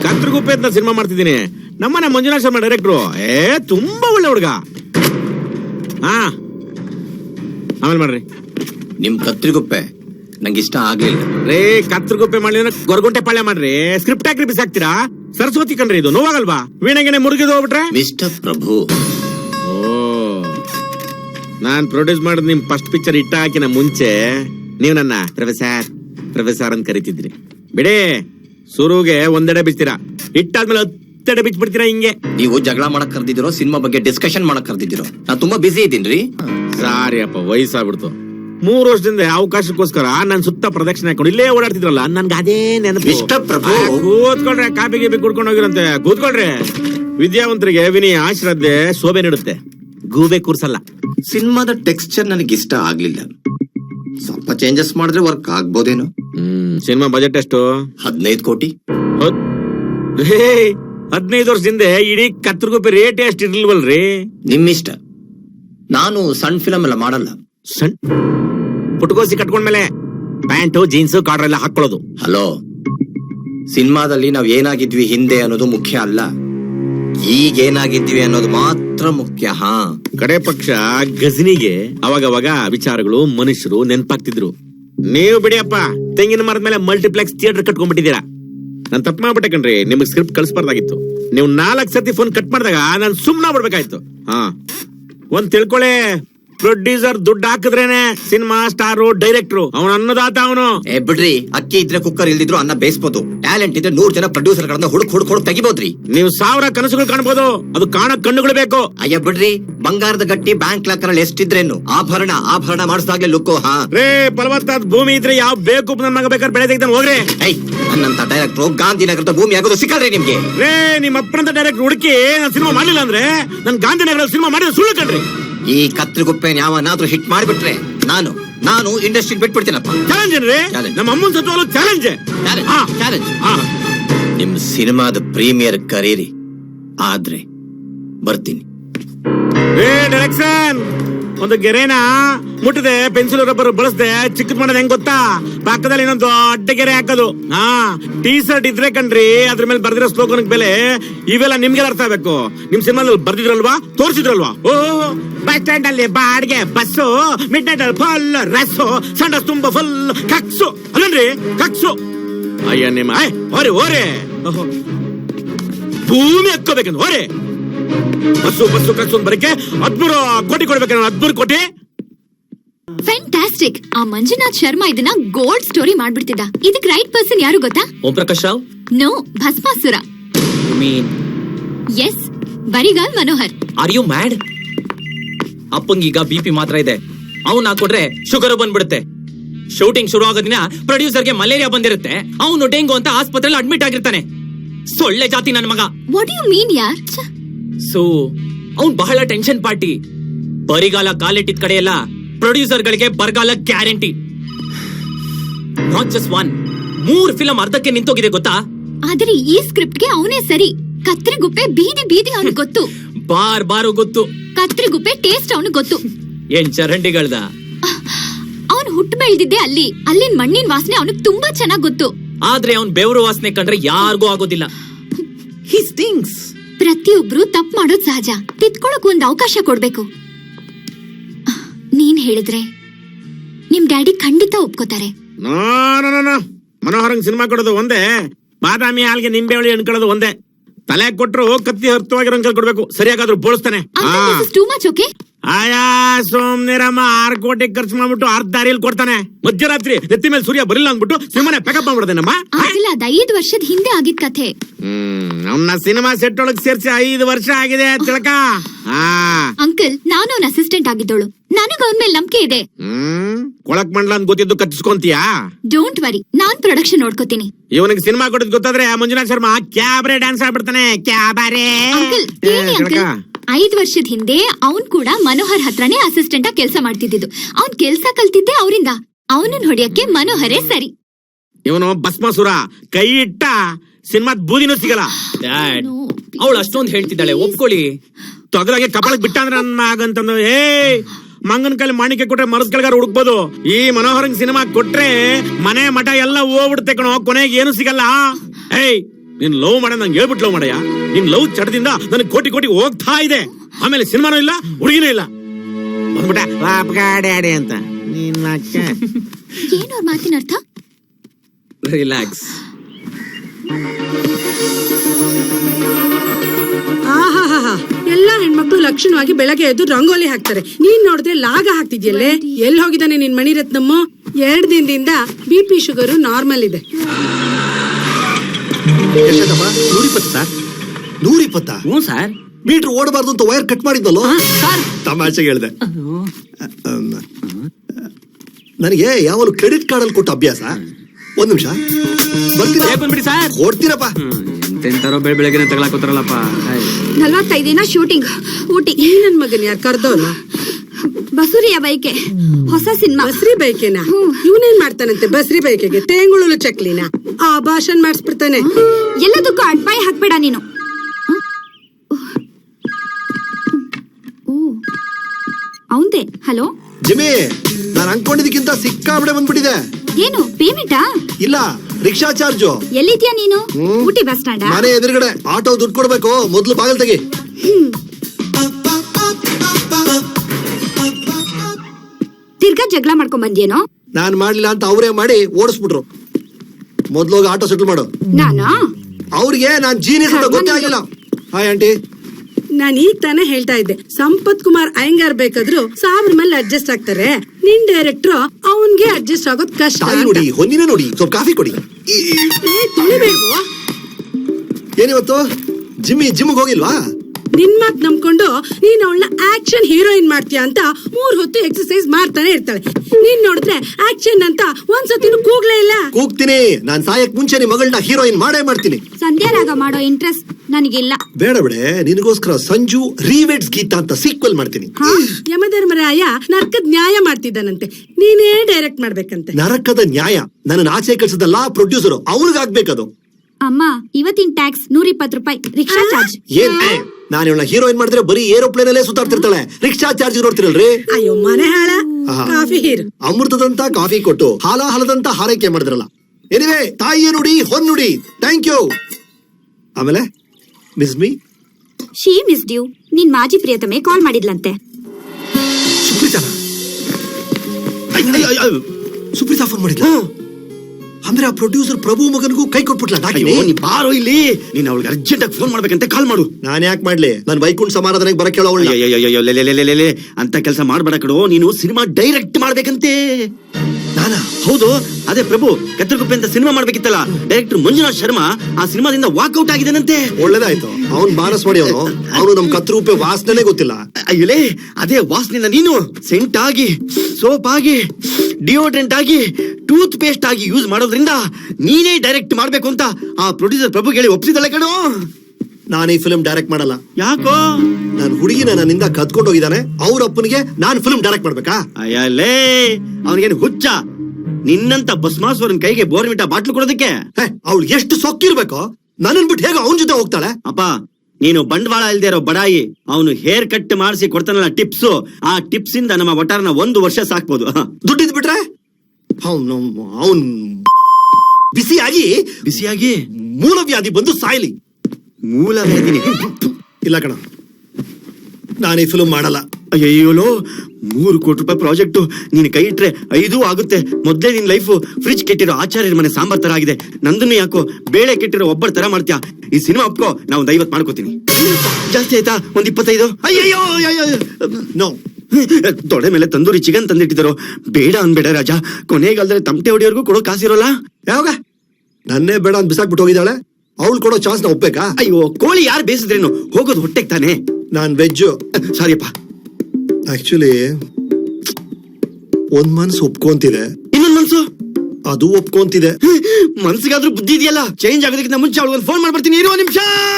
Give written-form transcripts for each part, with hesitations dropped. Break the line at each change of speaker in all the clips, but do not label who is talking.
ಕತ್ರಗುಪ್ಪೆ ಅಂತ ಸಿನಿಮಾ ಮಾಡ್ತಿದ್ದೀನಿ. ನಮ್ಮನೆ ಮಂಜುನಾಥ್ ಶರ್ಮಾ ಡೈರೆಕ್ಟ್ರು. ತುಂಬಾ ಒಳ್ಳೆ ಹುಡುಗ. ಹಾ, ಆಮೇಲೆ ಮಾಡ್ರಿ.
ನಿಮ್ ಕತ್ರಿಗುಪ್ಪೆ ನಂಗೆ ಇಷ್ಟ ಆಗ್ಲಿಲ್ಲ
ರೇ. ಕತ್ರಗುಪ್ಪೆ ಮಾಡಿ ಗೊರಗುಂಟೆ ಪಾಳ್ಯ ಮಾಡ್ರಿ. ಸ್ಕ್ರಿಪ್ಟ್ ಹಾಕಿ ಬಿಸಾಕ್ತೀರಾ? ಸರಸ್ವತಿ ಕಣ್ರಿ ಇದು, ನೋವಾಗಲ್ವಾ? ವೀಣೆಗೆ ಮುರುಗಿದು ಹೋಗ್ಬಿಟ್ರೆ.
ಮಿಸ್ಟರ್ ಪ್ರಭು,
ನಾನ್ ಪ್ರೊಡ್ಯೂಸ್ ಮಾಡಿದ್ ನಿಮ್ ಫಸ್ಟ್ ಪಿಕ್ಚರ್ ಇಟ್ಟ ಹಾಕಿನ ಮುಂಚೆ ನೀವ್ ನನ್ನ ಪ್ರೊಫೆಸರ್ ಅಂತ ಕರಿತಿದ್ರಿ. ಬಿಡಿ, ಸುರುಗೆ ಒಂದೆಡೆ ಬಿಚ್ತೀರಾ, ಇಟ್ಟಾದ್ಮೇಲೆ 10 ಎಡೆ ಬಿಚ್ಬಿಡ್ತೀರಾ. ಹಿಂಗೆ
ನೀವು ಜಗಳ ಮಾಡಕ್ ಕರ್ದಿದಿರೋ, ಸಿನಿಮಾ ಬಗ್ಗೆ ಡಿಸ್ಕಷನ್ ಮಾಡಕ್ ಕರ್ದಿದಿರೋ? ನಾ ತುಂಬಾ ಬಿಸಿ ಇದ್ದೀನ್ರಿ.
ಸಾರಿ ಅಪ್ಪ, ವಯಸ್ಸಾಗ್ಬಿಡ್ತು. 3 ವರ್ಷದಿಂದ ಅವಕಾಶಕ್ಕೋಸ್ಕರ ನನ್ ಸುತ್ತ ಪ್ರದಕ್ಷಿಣೆ ಹಾಕೊಂಡು ಇಲ್ಲೇ ಓಡಾಡ್ತಿದ್ರಲ್ಲ, ನನ್ಗೆ ಅದೇ ನೆನಪು.
ಮಿಸ್ಟರ್ ಪ್ರಭು,
ಕೂತ್ಕೊಳ್ರೆ. ಕಾಪಿ ಗೀಪಿ ಕುಡ್ಕೊಂಡು ಹೋಗಿರಂತೆ. ಕೂತ್ಕೊಳ್ರೆ. ವಿದ್ಯಾವಂತರಿಗೆ ವಿನಯ ಶ್ರದ್ಧೆ ಶೋಭೆ ನೀಡುತ್ತೆ, ಗೂಬೆ ಕೂರ್ಸಲ್ಲ.
ಸಿನಿಮಾದ ಟೆಕ್ಸ್ಚರ್ ನನಗೆ ಇಷ್ಟ ಆಗ್ಲಿಲ್ಲ. ಸ್ವಲ್ಪ ಚೇಂಜಸ್ ಮಾಡಿದ್ರೆ ವರ್ಕ್ ಆಗ್ಬೋದೇನೋ.
ಸಿನಿಮಾ ಬಜೆಟ್ ಎಷ್ಟು?
15 ಕೋಟಿ.
15 ವರ್ಷದಿಂದ ಇಡೀ ಕತ್ರಗುಪ್ಪೆ ರೇಟ್ ಎಷ್ಟು ಇರ್ಲಿಲ್ವಲ್ರಿ?
ನಿಮ್ಮಿಷ್ಟ. ನಾನು ಸಣ್ಣ ಫಿಲಮ್ ಎಲ್ಲ ಮಾಡಲ್ಲ.
ಸಣ್ಣ ಪುಟ್ಕೋಸಿ ಕಟ್ಕೊಂಡ್ಮೇಲೆ ಪ್ಯಾಂಟು ಜೀನ್ಸ್ ಕಾಡ್ರ ಎಲ್ಲ ಹಾಕೊಳ್ಳೋದು.
ಹಲೋ, ಸಿನಿಮಾದಲ್ಲಿ ನಾವ್ ಏನಾಗಿದ್ವಿ ಹಿಂದೆ ಅನ್ನೋದು ಮುಖ್ಯ ಅಲ್ಲ, ಈಗ ಏನಾಗಿದ್ವಿ ಅನ್ನೋದು ಮಾತ್ರ ಮುಖ್ಯ. ಹಾ,
ಕಡೆ ಪಕ್ಷ ಗಜನಿಗೆ ಅವಾಗವಾಗ ವಿಚಾರಗಳು, ಮನುಷ್ಯರು ನೆನ್ಪಾಗ್ತಿದ್ರು. ನೀವು ಬಿಡಿಯಪ್ಪ, ತೆಂಗಿನ ಮರದ ಮೇಲೆ ಮಲ್ಟಿಪ್ಲೆಕ್ಸ್ ಥಿಯೇಟರ್ ಕಟ್ಕೊಂಡ್ಬಿಟ್ಟಿದ್ದೀರಾ. ನಾನ್ ತಪ್ಪು ಮಾಡ್ಬಿಟ್ಟೆ ಕಣ್ರಿ. ನಿಮ್ಗೆ ಸ್ಕ್ರಿಪ್ಟ್ ಕಳ್ಸ್ಬಾರ್ದಾಗಿತ್ತು. ನೀವು 4 ಸತಿ ಫೋನ್ ಕಟ್ ಮಾಡಿದಾಗ ನಾನು ಸುಮ್ನ ಬಿಡ್ಬೇಕಾಯ್ತು. ಹಾ, ಒಂದ್ ತಿಳ್ಕೊಳ್ಳಿ, ಪ್ರೊಡ್ಯೂಸರ್ ದುಡ್ಡು ಹಾಕಿದ್ರೇನೆ ಸಿನಿಮಾ ಸ್ಟಾರು, ಡೈರೆಕ್ಟ್ರು. ಅವನ ಅನ್ನದಾತ ಅವನು.
ಬಿಡ್ರಿ, ಅಕ್ಕಿ ಇದ್ರೆ ಕುಕ್ಕರ್ ಇಲ್ದಿದ್ರು ಅನ್ನ ಬೇಯಿಸಬಹುದು. ಟ್ಯಾಲೆಂಟ್ ಇದ್ರೆ 100 ಜನ ಪ್ರೊಡ್ಯೂಸರ್ ಗಳನ್ನ ಹುಡುಕ್ ತೆಗಿಬಹುದ್ರಿ.
ನೀವು 1000 ಕನಸುಗಳು ಕಾಣಬಹುದು, ಅದು ಕಾಣಕ್ ಕಣ್ಣುಗಳು ಬೇಕು.
ಅಯ್ಯ ಬಿಡ್ರಿ, ಬಂಗಾರದ ಗಟ್ಟಿ ಬ್ಯಾಂಕ್ ಲಾಕರ್ ಅಲ್ಲಿ ಎಷ್ಟಿದ್ರೇನು ಆಭರಣ ಮಾಡಿಸಿದಾಗ್ಲೇ ಲುಕ್ಕು. ಹಾ
ರೇ, ಫಲವತ್ತಾದ ಭೂಮಿ ಇದ್ರೆ ಯಾವ ಬೇಕು ನನ್ನ ಮಗ ಬೇಕಾದ್ರೆ ಬೆಳೆ ತೆಗ್ದಾನೆ ಹೋಗ್ರಿ.
ನನ್ನಂತ ಡೈರೆಕ್ಟ್ರು ಗಾಂಧಿನಗರದ ಭೂಮಿ ಆಗೋದು ಸಿಕ್ಕಲ್ರಿ ನಿಮ್ಗೆ?
ರೇ, ನಿಮ್ಮ ಅಪ್ಪನಂತ ಡೈರೆಕ್ಟರ್ ಹುಡುಕಿ ನಾನು ಸಿನಿಮಾ ಮಾಡ್ಲಿಲ್ಲ ಅಂದ್ರೆ ನನ್ ಗಾಂಧಿನಗರ ಸಿನಿಮಾ ಮಾಡಿದ್ರೆ ಸುಳ್ಳು ಕಣ್ರಿ.
ಈ ಕತ್ರಿಗುಪ್ಪೆ ಯಾವನಾದ್ರೂ ಹಿಟ್ ಮಾಡಿಬಿಟ್ರೆ ನಾನು ಇಂಡಸ್ಟ್ರಿ ಬಿಟ್ಬಿಡ್ತೀನಪ್ಪ.
ಚಾಲೆಂಜ್ ಏನ್ರಿ? ನಮ್ಮ ಅಮ್ಮನ ಸತ್ವಲ್ಲ ಚಾಲೆಂಜ್.
ನಿಮ್ ಸಿನಿಮಾದ ಪ್ರೀಮಿಯರ್ ಕರೀರಿ, ಆದ್ರೆ ಬರ್ತೀನಿ.
ಡೈರೆಕ್ಷನ್ ಒಂದು ಗೆರೆನ ಮುಟ್ಟದೆ ಪೆನ್ಸಿಲ್ ರಬ್ಬರ್ ಬಳಸದೆ ಚಿಕ್ಕದ್ ಮಾಡೋದ್ ಹೆಂಗ್ ಗೊತ್ತಾ? ಪಕ್ಕದಲ್ಲಿ ಇನ್ನೊಂದು ದೊಡ್ಡ ಗೆರೆ ಹಾಕೋದು. ಹಾ, ಟೀ ಶರ್ಟ್ ಇದ್ರೆ ಕಣ್ರಿ ಅದ್ರ ಮೇಲೆ ಬರ್ದಿರೋ ಸ್ಲೋಗನ್ ಬೆಲೆ. ಇವೆಲ್ಲ ನಿಮ್ಗೆಲ್ಲ ಅರ್ಥ ಆಗ್ಬೇಕು. ನಿಮ್ ಸಿನಿಮಾದಲ್ಲಿ ಬರ್ದಿದ್ರಲ್ವಾ, ತೋರಿಸಿದ್ರಲ್ವಾ? ಬಸ್ ಸ್ಟ್ಯಾಂಡ್ ಅಲ್ಲಿ ಬಾಡಿಗೆ ಬಸ್ಸು, ಮಿಡ್ ನೈಟ್ ಅಲ್ಲಿ ಫುಲ್ ರಸ್ಸು, ಸಂಡ ತುಂಬಾ ಫುಲ್ ಕಕ್ಸು. ಅಲ್ಲನ್ರಿ, ಕಕ್ಸು. ಅಯ್ಯ ನಿಮ್ಮ ಓರೆ ಭೂಮಿ ಹಕ್ಕೋಬೇಕಂದ್ರೆ ಓರೆ ಬಸ್ಸು ಕಕ್ಸು ಬರಕ್ಕೆ 13 ಕೋಟಿ ಕೊಡ್ಬೇಕು. 13 ಕೋಟಿ.
ಫ್ಯಾಂಟಾಸ್ಟಿಕ್. ಆ ಮಂಜುನಾಥ್ ಶರ್ಮಾ ಇದನ್ನ ಗೋಲ್ಡ್ ಸ್ಟೋರಿ ಮಾಡ್ಬಿಡ್ತಿದ್ದ. ಇದಕ್ಕೆ ರೈಟ್ ಪರ್ಸನ್ ಯಾರು ಗೊತ್ತಾ?
Om Prakash Rao.
No, Bhasmasura.
You mean?
Yes, Barigal Manohar.
Are you mad? ಅಪ್ಪಂಗೀಗ BP ಮಾತ್ರ ಇದೆ. ಅವ್ನ್ ಹಾಕೊಟ್ರೆ ಶುಗರ್ ಬಂದ್ಬಿಡುತ್ತೆ. ಶೂಟಿಂಗ್ ಶುರು ಆಗೋದಿನ ಪ್ರೊಡ್ಯೂಸರ್ಗೆ ಮಲೇರಿಯಾ ಬಂದಿರುತ್ತೆ. ಅವನು ಡೆಂಗು ಅಂತ ಆಸ್ಪತ್ರೆಯಲ್ಲಿ ಅಡ್ಮಿಟ್ ಆಗಿರ್ತಾನೆ. ಸೊಳ್ಳೆ ಜಾತಿ ನನ್ನ ಮಗ.
ವಾಟ್ ಯು ಮೀನ್ ಯಾರ್?
ಸೊ ಅವ್ನ್ ಬಹಳ ಟೆನ್ಷನ್ ಪಾರ್ಟಿ. ಬರಿಗಾಲ ಕಾಲಿಟ್ಟಿದ ಕಡೆ ಎಲ್ಲ ಪ್ರೊಡ್ಯೂಸರ್ ಗಳಿಗೆ ಬರಗಾಲ ಗ್ಯಾರಂಟಿ. ನಾಟ್ ಜಸ್ಟ್ 1, 3 ಫಿಲಂ ಅರ್ಧಕ್ಕೆ ನಿಂತೋಗಿದೆ ಗೊತ್ತಾ?
ಆದ್ರೆ ಈ ಸ್ಕ್ರಿಪ್ಟ್ ಗೆ ಅವನೇ ಸರಿ. ಕತ್ರಿಗುಪ್ಪೆ ಬೀದಿ ಅವನು ಗೊತ್ತು.
ಬಾರು ಗೊತ್ತು.
ಕತ್ರಿಗುಪ್ಪೆ ಟೇಸ್ಟ್ ಅವನು ಗೊತ್ತು.
ಏನ್ ಚರಂಡಿಗಳ್ದ?
ಅವನು ಹುಟ್ಟು ಬೆಳೆದಿದ್ದೆ ಅಲ್ಲಿನ ಮಣ್ಣಿನ ವಾಸನೆ ಅವನಿಗೆ ತುಂಬಾ ಚೆನ್ನಾಗ್ ಗೊತ್ತು.
ಆದ್ರೆ ಅವ್ನ್ ಬೆವರು ವಾಸನೆ ಕಂಡ್ರೆ ಯಾರಿಗೂ ಆಗೋದಿಲ್ಲ. He stinks.
ಪ್ರತಿಯೊಬ್ರು ತಪ್ಪು ಮಾಡೋದ್ ಸಹಜ. ತಿದ್ಕೊಳಕ್ ಒಂದ್ ಅವಕಾಶ ಕೊಡ್ಬೇಕು. ನೀನ್ ಹೇಳಿದ್ರೆ ನಿಮ್ ಡ್ಯಾಡಿ ಖಂಡಿತ ಒಪ್ಕೋತಾರೆ.
ಮನೋಹರಂಗ್ ಸಿನಿಮಾ ಕೊಡೋದು ಒಂದೇ, ಬಾದಾಮಿ ಹಾಲ್ಗೆ ನಿಂಬೆ ಹುಳಿ ಅನ್ಕೊಳ್ಳೋದು ಒಂದೇ. ತಲೆ ಕೊಟ್ರು ಕತ್ತಿ ಹರ್ತವಾಗಿರೋ ಕೊಡ್ಬೇಕು, ಸರಿಯಾಗಾದ್ರೂ ಬೋಳಿಸ್ತಾನೆ. ಆಯಾ ಸೋಮ್ನಿರಮ್ಮ 6 ಕೋಟಿ ಖರ್ಚು ಮಾಡ್ಬಿಟ್ಟು ಅರ್ಧ ದಾರಿಯಲ್ಲಿ ಕೊಡ್ತಾನೆ. ಮಧ್ಯರಾತ್ರಿ ನೆತ್ತಿ ಮೇಲೆ ಸೂರ್ಯ ಬರಿಲ್ಲ ಅಂದ್ಬಿಟ್ಟು ಸಿನಿಮಾನೆ ಪ್ಯಾಕಪ್ ಮಾಡ್ಬಿಡ್ತೇನಮ್ಮ.
ಅದ್ 5 ವರ್ಷದ ಹಿಂದೆ ಆಗಿದ್ ಕಥೆ.
ನಮ್ಮ ಸಿನಿಮಾ ಸೆಟ್ ಒಳಗ್ ಸೇರ್ಸಿ 5 ವರ್ಷ ಆಗಿದೆ ತಿಳಕ.
ಅಂಕಲ್, ನಾನು ಅವ್ನ ಅಸಿಸ್ಟೆಂಟ್ ಆಗಿದ್ದೋಳು. ನನಗ ಅವನ ಮೇಲೆ ನಂಬಿಕೆ ಇದೆ.
ಕೊಳಕ್ ಮಂಡ್ಲ ಅಂತ ಗೊತ್ತಿದ್ದು ಕತ್ತಿಸ್ಕೊಂತೀಯಾ?
ಡೋಂಟ್ ವರಿ, ನಾನ್ ಪ್ರೊಡಕ್ಷನ್ ನೋಡ್ಕೋತೀನಿ.
ಇವನಿಗೆ ಸಿನಿಮಾ ಕೊಡೋದ್ ಗೊತ್ತಾದ್ರೆ ಮಂಜುನಾಥ್ ಶರ್ಮಾ ಕ್ಯಾಬರೆ ಡ್ಯಾನ್ಸ್ ಆಗ್ಬಿಡ್ತಾನೆ. ಕ್ಯಾಬರೆ.
ಅಂಕಲ್, 5 ವರ್ಷದ ಹಿಂದೆ ಅವನ್ ಕೂಡ ಮನೋಹರ್ ಹತ್ರನೇ ಅಸಿಸ್ಟೆಂಟ್ ಆಗಿ ಕೆಲಸ ಮಾಡ್ತಿದ್ದು. ಅವ್ನ್ ಕೆಲ್ಸ ಕಲ್ತಿದ್ದೆ ಅವರಿಂದ. ಅವನನ್ನ ಹೊಡಿಯಕ್ಕೆ ಮನೋಹರೇ ಸರಿ.
ಇವನು ಭಸ್ಮಾಸುರ, ಕೈ ಇಟ್ಟ ಸಿನಿಮಾದ ಬೂದಿನೂ ಸಿಗಲ್ಲ.
ಅವಳು ಅಷ್ಟೊಂದು ಹೇಳ್ತಿದ್ದಾಳೆ, ಒಪ್ಕೊಳ್ಳಿ.
ತೊಗದಾಗೆ ಕಪಾಳಕ್ ಬಿಟ್ಟ ಅಂದ್ರೆ ನನ್ನ ಆಗಂತಂದು ಮಂಗನ ಕೈಲಿ ಮಾಣಿಕೆ ಕೊಟ್ರೆ ಮರದ ಕೆಳಗಾರ ಹುಡುಕ್ಬೋದು. ಈ ಮನೋಹರಂಗ್ ಸಿನಿಮಾ ಕೊಟ್ರೆ ಮನೆ ಮಠ ಎಲ್ಲ ಹೋಗ್ಬಿಡುತ್ತೆ ಕಣೋ, ಕೊನೆಗೆ ಏನು ಸಿಗಲ್ಲ. ನೀನ್ ಲವ್ ಮಾಡ ನಂಗೆ ಹೇಳ್ಬಿಟ್ಟು ಲವ್ ಮಾಡಯ್ಯ. ನಿನ್ ಲವ್ ಚಟದಿಂದ ನನಗೆ ಕೋಟಿ ಕೋಟಿ ಹೋಗ್ತಾ ಇದೆ. ಆಮೇಲೆ ಸಿನಿಮಾನೂ ಇಲ್ಲ, ಹುಡುಗಿನೂ ಇಲ್ಲ. ಬಂದ್ಬಿಟ್ಟ ಗಾಡಿ ಅಂತ ನಿನ್ನ
ಏನು ಅವ್ರ ಮಾತಿನ ಅರ್ಥ?
ರಿಲ್ಯಾಕ್ಸ್.
ಆಹಾಹಾ, ಎಲ್ಲಾ ಹೆಣ್ಮಕ್ಳು ಲಕ್ಷಣವಾಗಿ ಬೆಳಗ್ಗೆ ಎದ್ದು ರಂಗೋಲಿ ಹಾಕ್ತಾರೆ. ನೀನ್ ನೋಡಿದ್ರೆ ಲಾಗ ಹಾಕ್ತಿದ್ಯಲ್ಲೇ. ಎಲ್ಲಿ ಹೋಗಿದ್ದಾನೆ ನಿನ್ ಮಣಿರತ್ನಮ್ಮ? 2 ದಿನದಿಂದ BP ಶುಗರು ನಾರ್ಮಲ್ ಇದೆ.
120 ಸರ್. 120?
ಹ್ಞೂ ಸರ್.
ಮೀಟರ್ ಓಡಬಾರ್ದು ಅಂತ ವೈರ್ ಕಟ್ ಮಾಡಿದ್ನಲ್ಲೋ. ತಮಾಷೆಗೆ ಹೇಳಿದೆ. ನನಗೆ ಯಾವಾಗಲೂ ಕ್ರೆಡಿಟ್ ಕಾರ್ಡ್ ಅಲ್ಲಿ ಕೊಟ್ಟ ಅಭ್ಯಾಸ. 1 ನಿಮಿಷ ಬರ್ತೀನಿ.
ಬಂದ್ಬಿಡಿ ಸರ್.
ಕೊಡ್ತೀರಪ್ಪ.
ಎಂತೆಂತಾರೋ ಬೆಳಗ್ಗೆ ತಗೊಳಕೋತಾರಲ್ಲಪ್ಪ.
45 ದಿನ ಶೂಟಿಂಗ್, ಊಟಿ.
ಈ ನನ್ ಮಗನ್ ಯಾರು ಕರ್ದೋಲ್ಲ?
ಬಸುರಿಯ ಬೈಕೆ ಹೊಸ ಸಿನಿಮಾ.
ಬಸ್ರಿ ಬೈಕೆನ ಇವನೇನ್ ಮಾಡ್ತಾನಂತೆ? ಬಸ್ರಿ ಬೈಕೆಗೆ ತೇಂಗುಳು ಚಕ್ಲಿನ ಆ ಭಾಷಣ ಮಾಡಿಸ್ಬಿಡ್ತಾನೆ.
ಎಲ್ಲದಕ್ಕೂ ಅಡ್ಬಾಯ್ ಹಾಕ್ಬೇಡ ನೀನು. ಅವಂದೇ. ಹಲೋ
ಜಿಮಿ, ನಾನು ಅನ್ಕೊಂಡಿದ್ದಕ್ಕಿಂತ ಸಿಕ್ಕಾಬಿಡೆ ಬಂದ್ಬಿಟ್ಟಿದೆ.
ಏನು ಪೇಮೆಂಟಾ?
ಇಲ್ಲ, ರಿಕ್ಷಾ ಚಾರ್ಜು.
ಎಲ್ಲಿದ್ಯಾ ನೀನು? Ooty bus stand.
ಮನೆ ಎದುರುಗಡೆ. ಆಟೋ ದುಡ್ಡು ಕೊಡ್ಬೇಕು, ಮೊದ್ಲು ಬಾಗಿಲು ತೆಗಿ.
ತಿರ್ಗಾ ಜಗಳ ಮಾಡ್ಕೊಂಡ್ ಬಂದ್ಯೇನೋ?
ನಾನ್ ಮಾಡ್ಲಿಲ್ಲ ಅಂತ ಅವರೇ ಮಾಡಿ ಓಡಿಸ್ಬಿಟ್ರು. ಮೊದ್ಲೋಗಿ ಆಟೋ ಸೆಟ್ಲ್ ಮಾಡು.
ನಾನಾ?
ಅವ್ರಿಗೆ ನಾನ್ ಜೀನಿಯಸ್ ಅಂತ ಗೊತ್ತೇ ಆಗಿಲ್ಲ. Hi aunty.
ನಾನ್ ಈಗ ತಾನೇ ಹೇಳ್ತಾ ಇದ್ದೆ, ಸಂಪತ್ ಕುಮಾರ್ ಅಯ್ಯಂಗಾರ್ ಬೇಕಾದ್ರೂ 1000 ಮೇಲೆ ಅಡ್ಜಸ್ಟ್ ಆಗ್ತಾರೆ. ನಿನ್ ಡೈರೆಕ್ಟ್ರು ಅವನ್ಗೆ ಅಡ್ಜಸ್ಟ್ ಆಗೋದ್ ಕಷ್ಟ.
ತಾಯಿ ನೋಡಿ, ಹೊನ್ನಿನ ನೋಡಿ, ಸ್ವಲ್ಪ ಕಾಫಿ ಕೊಡಿ.
ತುಳಿಬೇಡ್ವೋ?
ಏನಿವತ್ತು ಜಿಮ್ಗೆ ಹೋಗಿಲ್ವಾ?
ನಿನ್ ಮಾತ್ ನಂಬ್ಕೊಂಡು ನೀನ್ ಅವಳನ್ನ ಆಕ್ಷನ್ ಹೀರೋಯಿನ್ ಮಾಡ್ತೀಯ ಅಂತ 3 ಹೊತ್ತು ಎಕ್ಸರ್ಸೈಸ್ ಮಾಡ್ತಾನೆ ಇರ್ತಾಳೆ. ನೀನ್ ನೋಡಿದ್ರೆ ಆಕ್ಷನ್ ಅಂತ ಒಂದ್ಸತಿನೂ ಕೂಗ್ಲೇ ಇಲ್ಲ.
ಕೂಗ್ತೀನಿ. ನಾನ್ ಸಾಯಕ್ ಮುಂಚೆ ನಿಮ್ ಮಗಳನ್ನ ಹೀರೋಯಿನ್ ಮಾಡೇ ಮಾಡ್ತೀನಿ.
ಸಂಧ್ಯಾರಾಗ ಮಾಡೋ ಇಂಟ್ರೆಸ್ಟ್ ನನಗಿಲ್ಲ.
ಬೇಡ ಬಿಡೆ, ನಿನಗೋಸ್ಕರ ಸಂಜು ರೀವೇಟ್ಸ್ ಗೀತಾ ಅಂತ ಸೀಕ್ವೆಲ್ ಮಾಡ್ತೀನಿ.
ಯಮಧರ್ಮರಾಯ ನರ್ಕದ ನ್ಯಾಯ ಮಾಡ್ತಿದ್ದಾನಂತೆ, ನೀನೇ ಡೈರೆಕ್ಟ್ ಮಾಡ್ಬೇಕಂತೆ.
ನರಕದ ನ್ಯಾಯ ನನ್ನ ಆಚೆ ಕಳ್ಸದಲ್ಲ, ಪ್ರೊಡ್ಯೂಸರ್ ಅವ್ರಿಗಾಗ್ಬೇಕದು.
ಅಮ್ಮ, ಇವತ್ತಿನ ಟ್ಯಾಕ್ಸ್ 120 ರೂಪಾಯಿ ರಿಕ್ಷಾ ಚಾರ್ಜ್.
ಏನ್ ನಾನು ಇವಳ ಹೀರೋಯಿನ್ ಮಾಡಿದ್ರೆ ಬರೀ ಏರೋಪ್ಲೇನ್ ಅಲ್ಲೇ ಸುತ್ತಾಡ್ತಿರ್ತಾಳೆ. Rickshaw charge ನೋಡ್ತಿರಲ್ರಿ.
ಅಯ್ಯೋ ಮನೆ ಹಾಳ. Coffee here.
ಅಮೃತದಂತ ಕಾಫಿ ಕೊಟ್ಟು ಹಾಲದಂತ ಹಾರೈಕೆ ಮಾಡಿದ್ರಲ್ಲ. ಎನಿವೆ, ತಾಯಿಯ ನುಡಿ ಹೊನ್ನುಡಿ. Thank you. ಆಮೇಲೆ miss me.
She missed you. ನಿನ್ ಮಾಜಿ ಪ್ರಿಯತಮೆ ಕಾಲ್ ಮಾಡಿದ್ಲಂತೆ.
ಸುಪ್ರೀತಾ ಸುಪ್ರೀತಾ ಫೋನ್ ಮಾಡಿದ್ಲ ಅಂದ್ರೆ ಆ ಪ್ರೊಡ್ಯೂಸರ್ ಪ್ರಭು ಮಗನಿಗೂ ಕೈ ಕೊಟ್ಬಿಟ್ಲ.
ನೀ ಬಾರೋ ಇಲ್ಲಿ. ನೀನ್ ಅವಳಿಗೆ ಅರ್ಜೆಂಟ್ ಆಗಿ ಫೋನ್ ಮಾಡ್ಬೇಕಂತ ಕಾಲ್ ಮಾಡು.
ನಾನ್ ಯಾಕೆ ಮಾಡ್ಲಿ? ನನ್ ವೈಕುಂಠ ಸಮಾರಾಧನೆಗೆ ಬರಕ್ ಹೇಳೋ ಅವಳ.
ಅಂತ ಕೆಲಸ ಮಾಡ್ಬೇಡ ಕಣೋ. ನೀನು ಸಿನಿಮಾ ಡೈರೆಕ್ಟ್ ಮಾಡ್ಬೇಕಂತೆ.
ನಾನಾ?
ಹೌದು, ಅದೇ ಪ್ರಭು ಕತ್ತರಗುಪ್ಪೆ ಅಂತ ಸಿನಿಮಾ ಮಾಡ್ಬೇಕಿತ್ತಲ್ಲ. ಡೈರೆಕ್ಟರ್ ಮಂಜುನಾಥ್ ಶರ್ಮಾ ಆ ಸಿನಿಮಾದಿಂದ ವಾಕ್ಔಟ್ ಆಗಿದ್ದಾನಂತೆ.
ಒಳ್ಳೇದಾಯ್ತು. ಅವ್ನ್ ಬಾನಸ್ ಮಾಡಿ ಅವನು ನಮ್ ಕತ್ತರೂಪೆ ವಾಸನೆ ಗೊತ್ತಿಲ್ಲ.
ಅಯ್ಯಲೇ, ಅದೇ ವಾಸನೆಯಿಂದ ನೀನು ಸೆಂಟ್ ಆಗಿ, ಸೋಪ್ ಆಗಿ, ಡಿಯೋಡ್ರೆಂಟ್ ಆಗಿ, ಟೂತ್ ಪೇಸ್ಟ್ ಆಗಿ ಯೂಸ್ ಮಾಡೋದ್ರಿಂದ ನೀನೇ ಡೈರೆಕ್ಟ್ ಮಾಡ್ಬೇಕು ಅಂತ ಆ ಪ್ರೊಡ್ಯೂಸರ್ ಪ್ರಭು ಹೇಳಿ ಒಪ್ಸಿದಲ್ಲ ಕಣೋ.
ನಾನು ಈ ಫಿಲ್ಮ್ ಡೈರೆಕ್ಟ್ ಮಾಡಲ್ಲ.
ಯಾಕೋ?
ನಾನು ಹುಡುಗಿನ ನನ್ನಿಂದ ಕದ್ಕೊಂಡು ಹೋಗಿದ್ದಾನೆ. ಅವ್ರ ಅಪ್ಪನಿಗೆ ನಾನು ಫಿಲ್ಮ್ ಡೈರೆಕ್ಟ್ ಮಾಡ್ಬೇಕಾ?
ಅಯ್ಯಲೇ, ಅವನಿಗೇನು ಹುಚ್ಚ? ನಿನ್ನಂತ ಭಸ್ಮಾಸುರನ್ ಕೈಗೆ ಬೋರ್ಮಿಟಾ ಬಾಟ್ಲು ಕೊಡೋದಕ್ಕೆ?
ಅವಳು ಎಷ್ಟು ಸೊಕ್ಕಿರ್ಬೇಕು? ನನ್ನನ್ ಬಿಟ್ಟು ಹೇಗ ಅವನ ಜೊತೆ ಹೋಗ್ತಾಳೆ?
ಅಪ್ಪ, ನೀನು ಬಂಡವಾಳ ಇಲ್ದೇ ಇರೋ ಬಡಾಯಿ. ಅವನು ಹೇರ್ ಕಟ್ ಮಾಡಿಸಿ ಕೊಡ್ತಾನಲ್ಲ ಟಿಪ್ಸ್, ಆ ಟಿಪ್ಸ್ ಇಂದ ನಮ್ಮ ಒಟ್ಟಾರನ 1 ವರ್ಷ ಸಾಕ್ಬೋದು.
ದುಡ್ಡಿದ್ ಬಿಟ್ರೆ ಅವನ್ ಬಿಸಿಯಾಗಿ ಮೂಲವ್ಯಾಧಿ ಬಂದು ಸಾಯ್ಲಿ.
ಮೂಲವ್ಯಾಧಿನಿ?
ಇಲ್ಲ ಕಣ, ನಾನು ಈ ಫಿಲ್ಮ್ ಮಾಡಲ್ಲ.
ಅಯ್ಯೋಲೋ, 3 ಕೋಟಿ ರೂಪಾಯಿ ಪ್ರಾಜೆಕ್ಟ್. ನೀನ್ ಕೈ ಇಟ್ರೆ 5 ಆಗುತ್ತೆ. ಮೊದ್ಲೇ ನಿನ್ ಲೈಫ್ ಫ್ರಿಜ್ ಕೆಟ್ಟಿರೋ ಆಚಾರ್ಯರ ಮನೆ ಸಾಂಬಾರ್ ತರ ಆಗಿದೆ. ನಂದನ್ನು ಯಾಕೋ ಬೇಳೆ ಕೆಟ್ಟಿರೋ ಒಬ್ಬರ ತರ ಮಾಡ್ತೀಯಾ. ಈ ಸಿನಿಮಾ ಒಪ್ಕೋ, ನಾವು 50 ಮಾಡ್ಕೋತೀನಿ. ಜಾಸ್ತಿ ಆಯ್ತಾ? 25? ಅಯ್ಯಯ್ಯೋ,
ನೋ.
ತೊಡೆ ಮೇಲೆ ತಂದೂರಿ ಚಿಕನ್ ತಂದಿಟ್ಟಿದ್ರು. ಬೇಡ ಅನ್ಬೇಡ ರಾಜ. ಕೊನೆಗಾಲದಲ್ಲಿ ತಮಟೆ ಹೊಡಿಯೋರ್ಗು ಕೊಡೋ ಕಾಸಿರೋಲ್ಲ.
ಯಾವಾಗ ನನ್ನೇ ಬೇಡ ಅಂತ ಬಿಸಾಕ್ಬಿಟ್ಟು ಹೋಗಿದ್ದಾಳೆ. ಅವಳು ಕೊಡೋ ಚಾನ್ಸ್ ನಾ ಒಪ್ಬೇಕಾ?
ಅಯ್ಯೋ, ಕೋಳಿ ಯಾರು ಬೇಯಿಸಿದ್ರೇನು? ಹೋಗೋದು ಹೊಟ್ಟೆಗೆ ತಾನೆ.
Non veg.
ಸಾರಿಯಪ್ಪ.
ಆಕ್ಚುಲಿ ಒಂದ್ ಮನ್ಸು ಒಪ್ಕೊಂತಿದೆ,
ಇನ್ನೊಂದ್ ಮನ್ಸು
ಅದು ಒಪ್ಕೊಂತಿದೆ.
ಮನ್ಸಿಗಾದ್ರೂ ಬುದ್ಧಿ ಇದೆಯಲ್ಲ. ಚೇಂಜ್ ಆಗೋದಕ್ಕಿಂತ ಮುಂಚೆ ಅವಳಿಗೆ ಫೋನ್ ಮಾಡ್ಬಿಡ್ತೀನಿ. ಇರೋ ನಿಮಿಷ.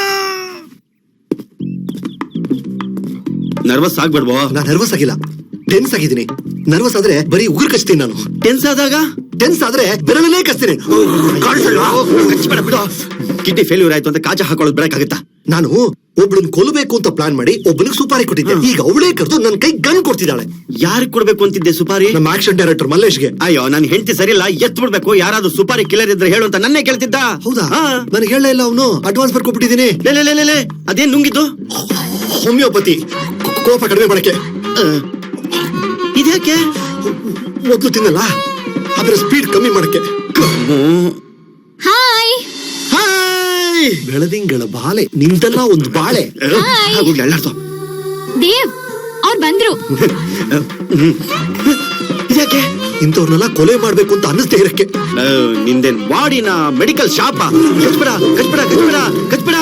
ನರ್ವಸ್ ಆಗ್ಬೇಡ್ವೋ?
ನಾನ್ ನರ್ವಸ್ ಆಗಿಲ್ಲ, ಟೆನ್ಸ್ ಆಗಿದ್ದೀನಿ. ನರ್ವಸ್ ಆದ್ರೆ ಬರೀ ಉಗುರು ಕಚ್ತೀನಿ ನಾನು.
ಟೆನ್ಸ್ ಆದಾಗ?
ಟೆನ್ಸ್ ಆದ್ರೆ ಬೆರಳಲ್ಲೇ ಕಚ್ತೀನಿ.
ಕಿಡ್ನಿ ಫೇಲ್ಯೂರ್ ಆಯ್ತು ಅಂತ ಕಾಚ ಹಾಕೊಳ್ಳೋದು ಬಿಡಕ್ಕಾಗತ್ತಾ?
ನಾನು ಒಬ್ಳನ್ ಕೊಲ್ಲಬೇಕು ಅಂತ ಪ್ಲಾನ್ ಮಾಡಿ ಒಬ್ಬನಿಗೆ ಸುಪಾರಿ ಕೊಟ್ಟಿದ್ದೆ. ಈಗ ಅವಳೇ ಕರೆದು ನನ್ನ ಕೈ ಗನ್ ಕೊಡ್ತಿದ್ದಾಳೆ.
ಯಾರಿಗ್ ಕೊಡ್ಬೇಕು ಅಂತಿದ್ದೆ ಸುಪಾರಿ?
ನಮ್ಮ ಆಕ್ಷನ್ ಡೈರೆಕ್ಟರ್ ಮಲ್ಲೇಶ್ಗೆ.
ಅಯ್ಯೋ ನನ್ ಹೆಂಡತಿ ಸರಿಯಿಲ್ಲ, ಎತ್ ಬಿಡ್ಬೇಕು. ಯಾರಾದ್ರೂ ಸುಪಾರಿ ಕಿಲ್ಲರ್ ಇದ್ರೆ ಹೇಳು ಅಂತ ನನ್ನೇ ಕೇಳ್ತಿದ್ದ.
ಹೌದಾ?
ಹಾ.
ನನಗೆ ಹೇಳಲೇ ಇಲ್ಲ ಅವನು. ಅಡ್ವಾನ್ಸ್ ಬರ್ಕೊಬಿಟ್ಟಿದ್ದೀನಿ.
ಲೇ, ಅದೇನ್ ನುಂಗಿದ್ದು?
ಹೋಮಿಯೋಪತಿ, ಕೋಪ ಕಡಿಮೆ ಮಾಡಕ್ಕೆ.
ಇದ್ಯಾಕೆ?
ಮೊದ್ಲು ತಿನ್ನಲ್ಲ, ಅದರ ಸ್ಪೀಡ್ ಕಮ್ಮಿ ಮಾಡಕ್ಕೆ.
ಹಾಯ್
ಹಾಯ್, ಬೆಳದಿಂಗಳ ಬಾಲೆ ನಿಂತಲ್ಲ ಒಂದು ಬಾಳೆ.
ದೇವ್ ಅವ್ರು ಬಂದ್ರು.
ಇದ್ಯಾಕೆ?
ಇಂಥವ್ರನ್ನೆಲ್ಲ ಕೊಲೆ ಮಾಡ್ಬೇಕು ಅಂತ ಅನ್ನಿಸ್ತಾ ಇರಕ್ಕೆ.
ನಿಂದೇನ್ ಬಾಡಿನ ಮೆಡಿಕಲ್ ಶಾಪ? ಕಚ್ಬೇಡ.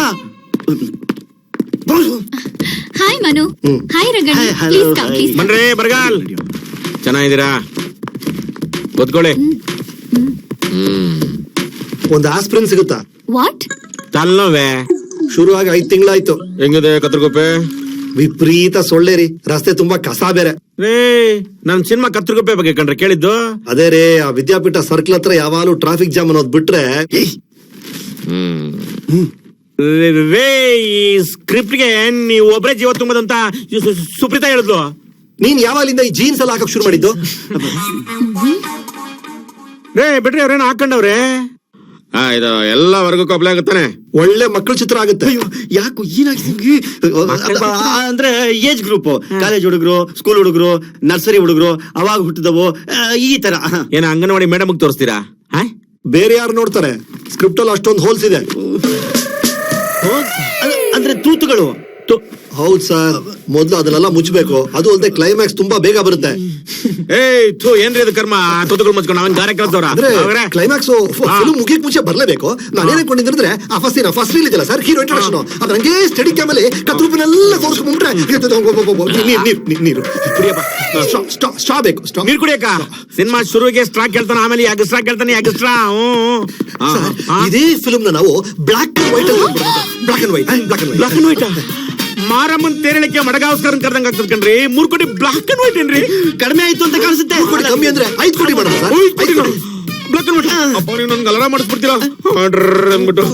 Hi Manu. Hi Ragan.
Hi, hello,
please come,
hi.
Please.
ಬನ್ರಿ ಬರಗಾಲ್, ಚೆನ್ನಾಗಿದ್ದೀರಾ? ಕೂತ್ಕೊಳ್ಳಿ.
ಒಂದು ಆಸ್ಪ್ರಿನ್ ಸಿಗುತ್ತಾ?
ವಾಟ್?
ತಲ್ಲೋವೆ
ಶುರುವಾಗಿ 5 ತಿಂಗಳಾಯ್ತು.
ಹೆಂಗಿದೆ ಕತ್ರಗುಪ್ಪೆ?
ವಿಪರೀತ ಸೊಳ್ಳೆ ರೀ, ರಸ್ತೆ ತುಂಬಾ ಕಸ ಬೇರೆ.
ರೇ, ನನ್ ಸಿನಿಮಾ ಕತ್ರಗುಪ್ಪೆ ಬಗ್ಗೆ ಕಂಡ್ರೆ ಕೇಳಿದ್ದು.
ಅದೇ ರೇ, ಆ ವಿದ್ಯಾಪೀಠ ಸರ್ಕಲ್ ಹತ್ರ ಯಾವಾಗಲೂ ಟ್ರಾಫಿಕ್ ಜಾಮ್ ಅನ್ನೋದು ಬಿಟ್ರೆ.
ರೇ, ಈ ಸ್ಕ್ರಿಪ್ಟ್ಗೆ ನೀವು ಒಬ್ಬರೇ ಜೀವ ತುಂಬದಂತ ಸುಪ್ರೀತಾ ಹೇಳಿದ್ಲು.
ನೀನ್ ಯಾವಾಗಲಿಂದ ಈ ಜೀನ್ಸ್ ಎಲ್ಲ ಹಾಕಕ್ ಶುರು ಮಾಡಿದ್ದು?
ರೇ ಬಿಡ್ರಿ, ಅವ್ರೇನ ಹಾಕೊಂಡವ್ರೆ. ಇದು ಎಲ್ಲ ವರ್ಗಕ್ಕೂ ಅಪ್ಲೈ ಆಗುತ್ತಾನೆ.
ಒಳ್ಳೆ ಮಕ್ಕಳ ಚಿತ್ರ ಆಗುತ್ತೆ.
ಯಾಕೋ ಅಂದ್ರೆ ಏಜ್ ಗ್ರೂಪ್, ಕಾಲೇಜ್ ಹುಡುಗರು, ಸ್ಕೂಲ್ ಹುಡುಗರು, ನರ್ಸರಿ ಹುಡುಗರು, ಅವಾಗ ಹುಟ್ಟಿದವು, ಈ ತರ.
ಏನ ಅಂಗನವಾಡಿ ಮೇಡಮ್ ತೋರಿಸ್ತೀರಾ?
ಬೇರೆ ಯಾರು ನೋಡ್ತಾರೆ? ಸ್ಕ್ರಿಪ್ಟ್ ಅಲ್ಲಿ ಅಷ್ಟೊಂದು ಹೋಲ್ಸ್ ಇದೆ.
ಅಂದ್ರೆ ತೂತುಗಳು.
ಹೌದ್ ಸರ್, ಮೊದ್ಲು ಅದನ್ನೆಲ್ಲ ಮುಚ್ಚಬೇಕು. ಅದು ಅಲ್ಲದೆ ಕ್ಲೈಮ್ಯಾಕ್ಸ್ ತುಂಬಾ ಬೇಗ ಬರುತ್ತೆ.
ಏನ್ರಿ ಅದು ಕರ್ಮ? ತುತ್ತುಗಳು ಮುಚ್ಕೊಂಡು ಅವನ್ ಗಾರೆ ಕಲ್ತವ್ರ.
ಅಂದ್ರೆ ಕ್ಲೈಮ್ಯಾಕ್ಸ್ ಫಿಲ್ಮ್ ಮುಗಿಯಕ್ ಮುಂಚೆ ಬರ್ಲೇಬೇಕು. ನಾನೇನ್ ಅನ್ಕೊಂಡಿದ್ರೆ ಆ ಫಸ್ಟ್ ರೀಲ್ ಇದೆಯಲ್ಲ ಸರ್, ಹೀರೋ ಇಂಟ್ರಡಕ್ಷನ್, ಅದ್ ಹಂಗೆ ಸ್ಟಡಿ ಕ್ಯಾಮಲ್ಲಿ ಕತ್ರೂಪಿನೆಲ್ಲ ತೋರಿಸ್ಕೊಂಡ್ರೆ ನೀರು ಸ್ಟ್ರಾ ಬೇಕು.
ನೀರ್ ಕುಡಿಯಕ ಸಿನಿಮಾ ಶುರುವಿಗೆ ಸ್ಟ್ರಾ ಕೇಳ್ತಾನ, ಆಮೇಲೆ ಎಕ್ಸ್ಟ್ರಾ ಕೇಳ್ತಾನೆ, ಎಕ್ಸ್ಟ್ರಾ.
ಇದೇ ಫಿಲ್ಮ್ ನಾವು black and white black and white
ಮಾರಮ್ಮನ್ ತೇರಳಿಕೆ ಮಡಗಾವಸ್ಕರನ್ ಕರ್ದಂಗ ಆಗ್ತದ ಕಣ್ರಿ. 3 ಕೋಟಿ ಬ್ಲಾಕ್ ಅಂಡ್ ವೈಟ್ ಏನ್ರಿ?
ಕಡಿಮೆ ಆಯ್ತು ಅಂತ ಕಾಣಿಸುತ್ತೆ.
ಕಮ್ಮಿ ಅಂದ್ರೆ 5 ಕೋಟಿ ಮಾಡೋಣ ಸರ್.
Block and white. ಅಪ್ಪ ನೀವು ನನ್ಗೆ ಅಲಾರ ಮಾಡಿಸ್ಬಿಡ್ತೀರಾ ಅಂದ್ಬಿಟ್ಟು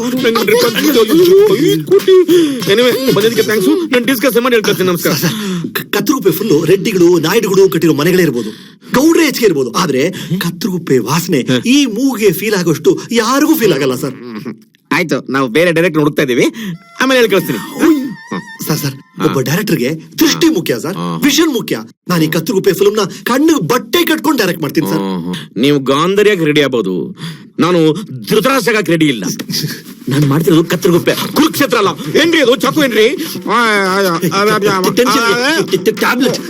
ಬಂದಿದ್ದಕ್ಕೆ ಥ್ಯಾಂಕ್ಸು. ನಾನು ಡಿಸ್ಕಸ್ ಮಾಡಿ ಹೇಳ್ಕೊಳ್ತೀನಿ. ನಮಸ್ಕಾರ.
ಕತ್ತರುಗುಪ್ಪೆ ಫುಲ್ ರೆಡ್ಡಿಗಳು, ನಾಯ್ಡುಗಳು ಕಟ್ಟಿರೋ ಮನೆಗಳೇ ಇರ್ಬೋದು, ಗೌಡ್ರೆ ಹೆಚ್ಚಿಗೆ ಇರ್ಬೋದು. ಆದ್ರೆ ಕತ್ತರುಗುಪ್ಪೆ ವಾಸನೆ ಈ ಮೂಗಿಗೆ ಫೀಲ್ ಆಗೋಷ್ಟು ಯಾರಿಗೂ ಫೀಲ್ ಆಗಲ್ಲ ಸರ್.
ಆಯ್ತು, ನಾವು ಬೇರೆ ಡೈರೆಕ್ಟ್ ಹುಡುಕ್ತಾ ಇದೀವಿ, ಆಮೇಲೆ ಹೇಳಿ ಕಳಿಸ್ತೀನಿ.
ಸರ್ ಒಬ್ಬ ಡೈರೆಕ್ಟರ್ಗೆ ದೃಷ್ಟಿ ಮುಖ್ಯ ಸರ್, ವಿಷನ್ ಮುಖ್ಯ. ನಾನು ಈ ಕತ್ತರುಗುಪ್ಪೆ ಫಿಲ್ಮ್ ನ ಕಣ್ಣಿಗೆ ಬಟ್ಟೆ ಕಟ್ಕೊಂಡು ಡೈರೆಕ್ಟ್ ಮಾಡ್ತೀನಿ ಸರ್.
ನೀವು ಗಾಂಧರ್ಯಾಗಿ ರೆಡಿ ಆಗ್ಬೋದು, ನಾನು ಧೃತರಾಷ್ಟ್ರಕ್ಕೆ ರೆಡಿ ಇಲ್ಲ. ನಾನು ಮಾಡ್ತಿರೋದು ಕತ್ತರುಗುಪ್ಪೆ, ಕುರುಕ್ಷೇತ್ರ ಅಲ್ಲ. ಏನ್ರಿ ಅದು ಚಾಕು? ಏನ್ರಿ
ಟ್ಯಾಬ್ಲೆಟ್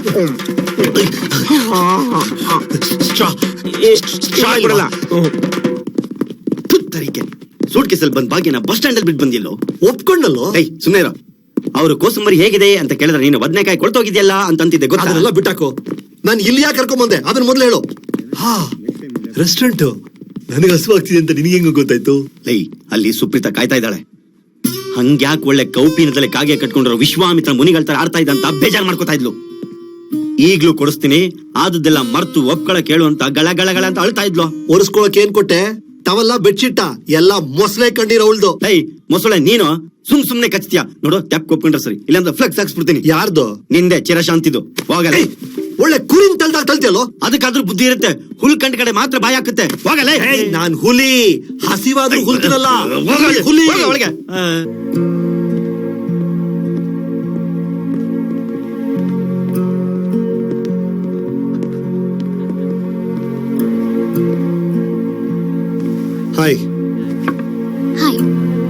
ಸೂಟ್ ಕೇಸಲ್ಲಿ ಬಂದ್ ಭಾಗ್ಯನ ಬಸ್ ಸ್ಟ್ಯಾಂಡ್ ಅಲ್ಲಿ ಬಿಟ್ಟು ಬಂದಿಲ್ಲೋ?
ಒಪ್ಕೊಂಡಲ್ಲೋ?
ಸುಮ್ಮನೆ ಇರೋ. ಅವ್ರು ಕೋಸಂಬರಿ ಹೇಗಿದೆ ಅಂತ ಕೇಳಿದ್ರೆ ನೀನು ಬದನೆಕಾಯಿ ಕೊಳ್ತೋಗಿದ್ಯಲ್ಲ ಅಂತಿದ್ದೆ.
ಅದನ್ನೆಲ್ಲ ಬಿಟ್ಟಾಕು. ನಾನು ಇಲ್ಲಿ ಯಾಕೆ ಕರ್ಕೊಂಡ್ ಬಂದೆ ಅದನ್ನ ಮೊದ್ಲು ಹೇಳು. ರೆಸ್ಟೋರೆಂಟ್ ನನಗೆ ಹಸುವಾಗ್ತಿದೆ ಅಂತ ನಿನಗೆ ಹೆಂಗ ಗೊತ್ತಾಯ್ತು?
ಅಲ್ಲಿ ಸುಪ್ರೀತಾ ಕಾಯ್ತಾ ಇದ್ದಾಳೆ. ಹಂಗ್ಯಾಕ್ ಒಳ್ಳೆ ಕೌಪಿನದಲ್ಲಿ ಕಾಗೆ ಕಟ್ಕೊಂಡ್ರು ವಿಶ್ವಾಮಿತ್ರ ಮುನಿಗಳ ತರ ಆಡ್ತಾ ಇದ್ದ ಅಂತ ಬೇಜಾರ್ ಮಾಡ್ಕೋತಾ ಇದ್ಲು. ಈಗ್ಲೂ ಕೊಡಿಸ್ತೀನಿ, ಆದದ್ದೆಲ್ಲ ಮರ್ತು ಒಪ್ಕೊಳ ಕೇಳು ಅಂತ ಗಳ ಅಂತ ಅಳ್ತಾ ಇದ್ಲು.
ಒರೆಸ್ಕೊಳಕ್ ಏನ್ ಕೊಟ್ಟೆ? ಟವಲ್ಲ, ಬೆಡ್ಶೀಟ ಎಲ್ಲ ಮೊಸಳೆ ಕಂಡಿರೋ ಅವಳ್ದು.
ಮೊಸಳೆ ನೀನು ಸುಮ್ನೆ ಕಚ್ತೀಯ ನೋಡು. ಟ್ಯಾಪ್ ಕೊಪ್ಕೊಂಡ್ರೆ ಸರಿ, ಇಲ್ಲಾಂದ್ರೆ ಫ್ಲೆಕ್ಸ್ ಹಾಕ್ಸ್ಬಿಡ್ತೀನಿ.
ಯಾರ್ದು?
ನಿಂದೆ ಚಿರಶಾಂತಿದು. ಹೋಗಲೇ.
ಒಳ್ಳೆ ಕುರಿನ್ ತಲ್ತಿಯಲ್ಲೋ?
ಅದಕ್ಕಾದ್ರೂ ಬುದ್ಧಿ ಇರುತ್ತೆ. ಹುಲ್ ಕಂಡ ಕಡೆ ಮಾತ್ರ ಬಾಯಿ ಹಾಕುತ್ತೆ. ಹೋಗಲೇ.
ನಾನ್ ಹುಲಿ, ಹಸಿವಾದ್ರೂ ಹುಲ್ತಿನಲ್ಲ. ಹುಲಿ
ಒಳಗೆ.
ಹಾಯ್.
ಹಾಯ್.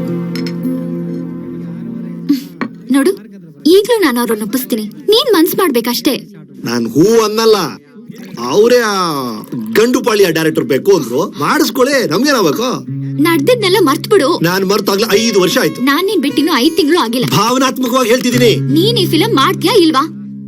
ನೋಡು, ಈಗ್ಲೂ ನಾನು ಅವ್ರನ್ನ ಒಪ್ಪಿಸ್ತೀನಿ. ನೀನ್ ಮನ್ಸ್ ಮಾಡ್ಬೇಕಷ್ಟೇ.
ನಾನ್ ಹೂ ಅನ್ನಲ್ಲ, ಅವರೇ ಆ ಗಂಡು ಪಾಳಿಯ ಡೈರೆಕ್ಟರ್ ಬೇಕು ಅಂದ್ರು. ಮಾಡಿಸ್ಕೊಳ್ಳಿ, ನಮ್ಗೇನಾಗಬೇಕು?
ನಡ್ದಿದ್ನೆಲ್ಲ ಮರ್ತ್ ಬಿಡು.
ನಾನ್ ಮರ್ತಾಗ್ಲೇ 5 ವರ್ಷ ಆಯ್ತು.
ನಾನ್ ನೀನ್ ಬಿಟ್ಟಿನ್ನು 5 ತಿಂಗಳು ಆಗಿಲ್ಲ.
ಭಾವನಾತ್ಮಕವಾಗಿ ಹೇಳ್ತಿದ್ದೀನಿ.
ನೀನ್ ಈ ಫಿಲಂ ಮಾಡ್ತೀಯಾ ಇಲ್ವಾ?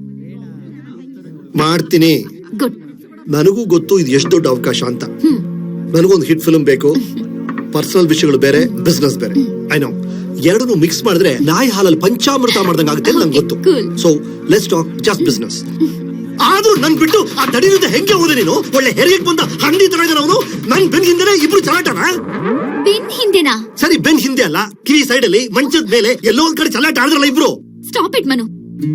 ಮಾಡ್ತೀನಿ.
ಗುಡ್.
ನನಗೂ ಗೊತ್ತು ಇದು ಎಷ್ಟು ದೊಡ್ಡ ಅವಕಾಶ ಅಂತ. ನನಗೊಂದು ಹಿಟ್ ಫಿಲ್ಮ್ ಬೇಕು. ಪರ್ಸನಲ್ ವಿಷಯಗಳು ಬೇರೆ, ಬಿಸ್ನೆಸ್ ಬೇರೆ. I know. ಎರಡನ್ನು ಮಿಕ್ಸ್ ಮಾಡಿದ್ರೆ ನಾಯಿ ಹಾಲಲ್ಲಿ ಪಂಚಾಮೃತ ಮಾಡ್ದಂಗ ಆಗುತ್ತೆ ನಂಗೆ ಗೊತ್ತು. So let's talk just business. ಆದ್ರೂ ನನ್ ಬಿಟ್ಟು ಆ ತಡಿಯುತ್ತೆ ಹೆಂಗೆ ಹೋದೆ ನೀನು? ಒಳ್ಳೆ ಹೆರಿಗೆ ಬಂದ ಹಂದಿ ತರ ಇದ್ದಾನೆ ಅವನು. ನನ್ ಬೆನ್ನಿಂದಲೇ ಇಬ್ರು ಚಲಾಟನ.
ಬೆನ್ ಹಿಂದೆನಾ?
ಸರಿ ಬೆನ್ ಹಿಂದೆ ಅಲ್ಲ, ಕಿವಿ ಸೈಡ್ ಅಲ್ಲಿ ಮಂಚದ ಮೇಲೆ ಎಲ್ಲೋ ಒಂದ್ ಕಡೆ ಚಲ್ಲಾಟ ಆಡಿದ್ರಲ್ಲ ಇಬ್ರು.
Stop it Manu.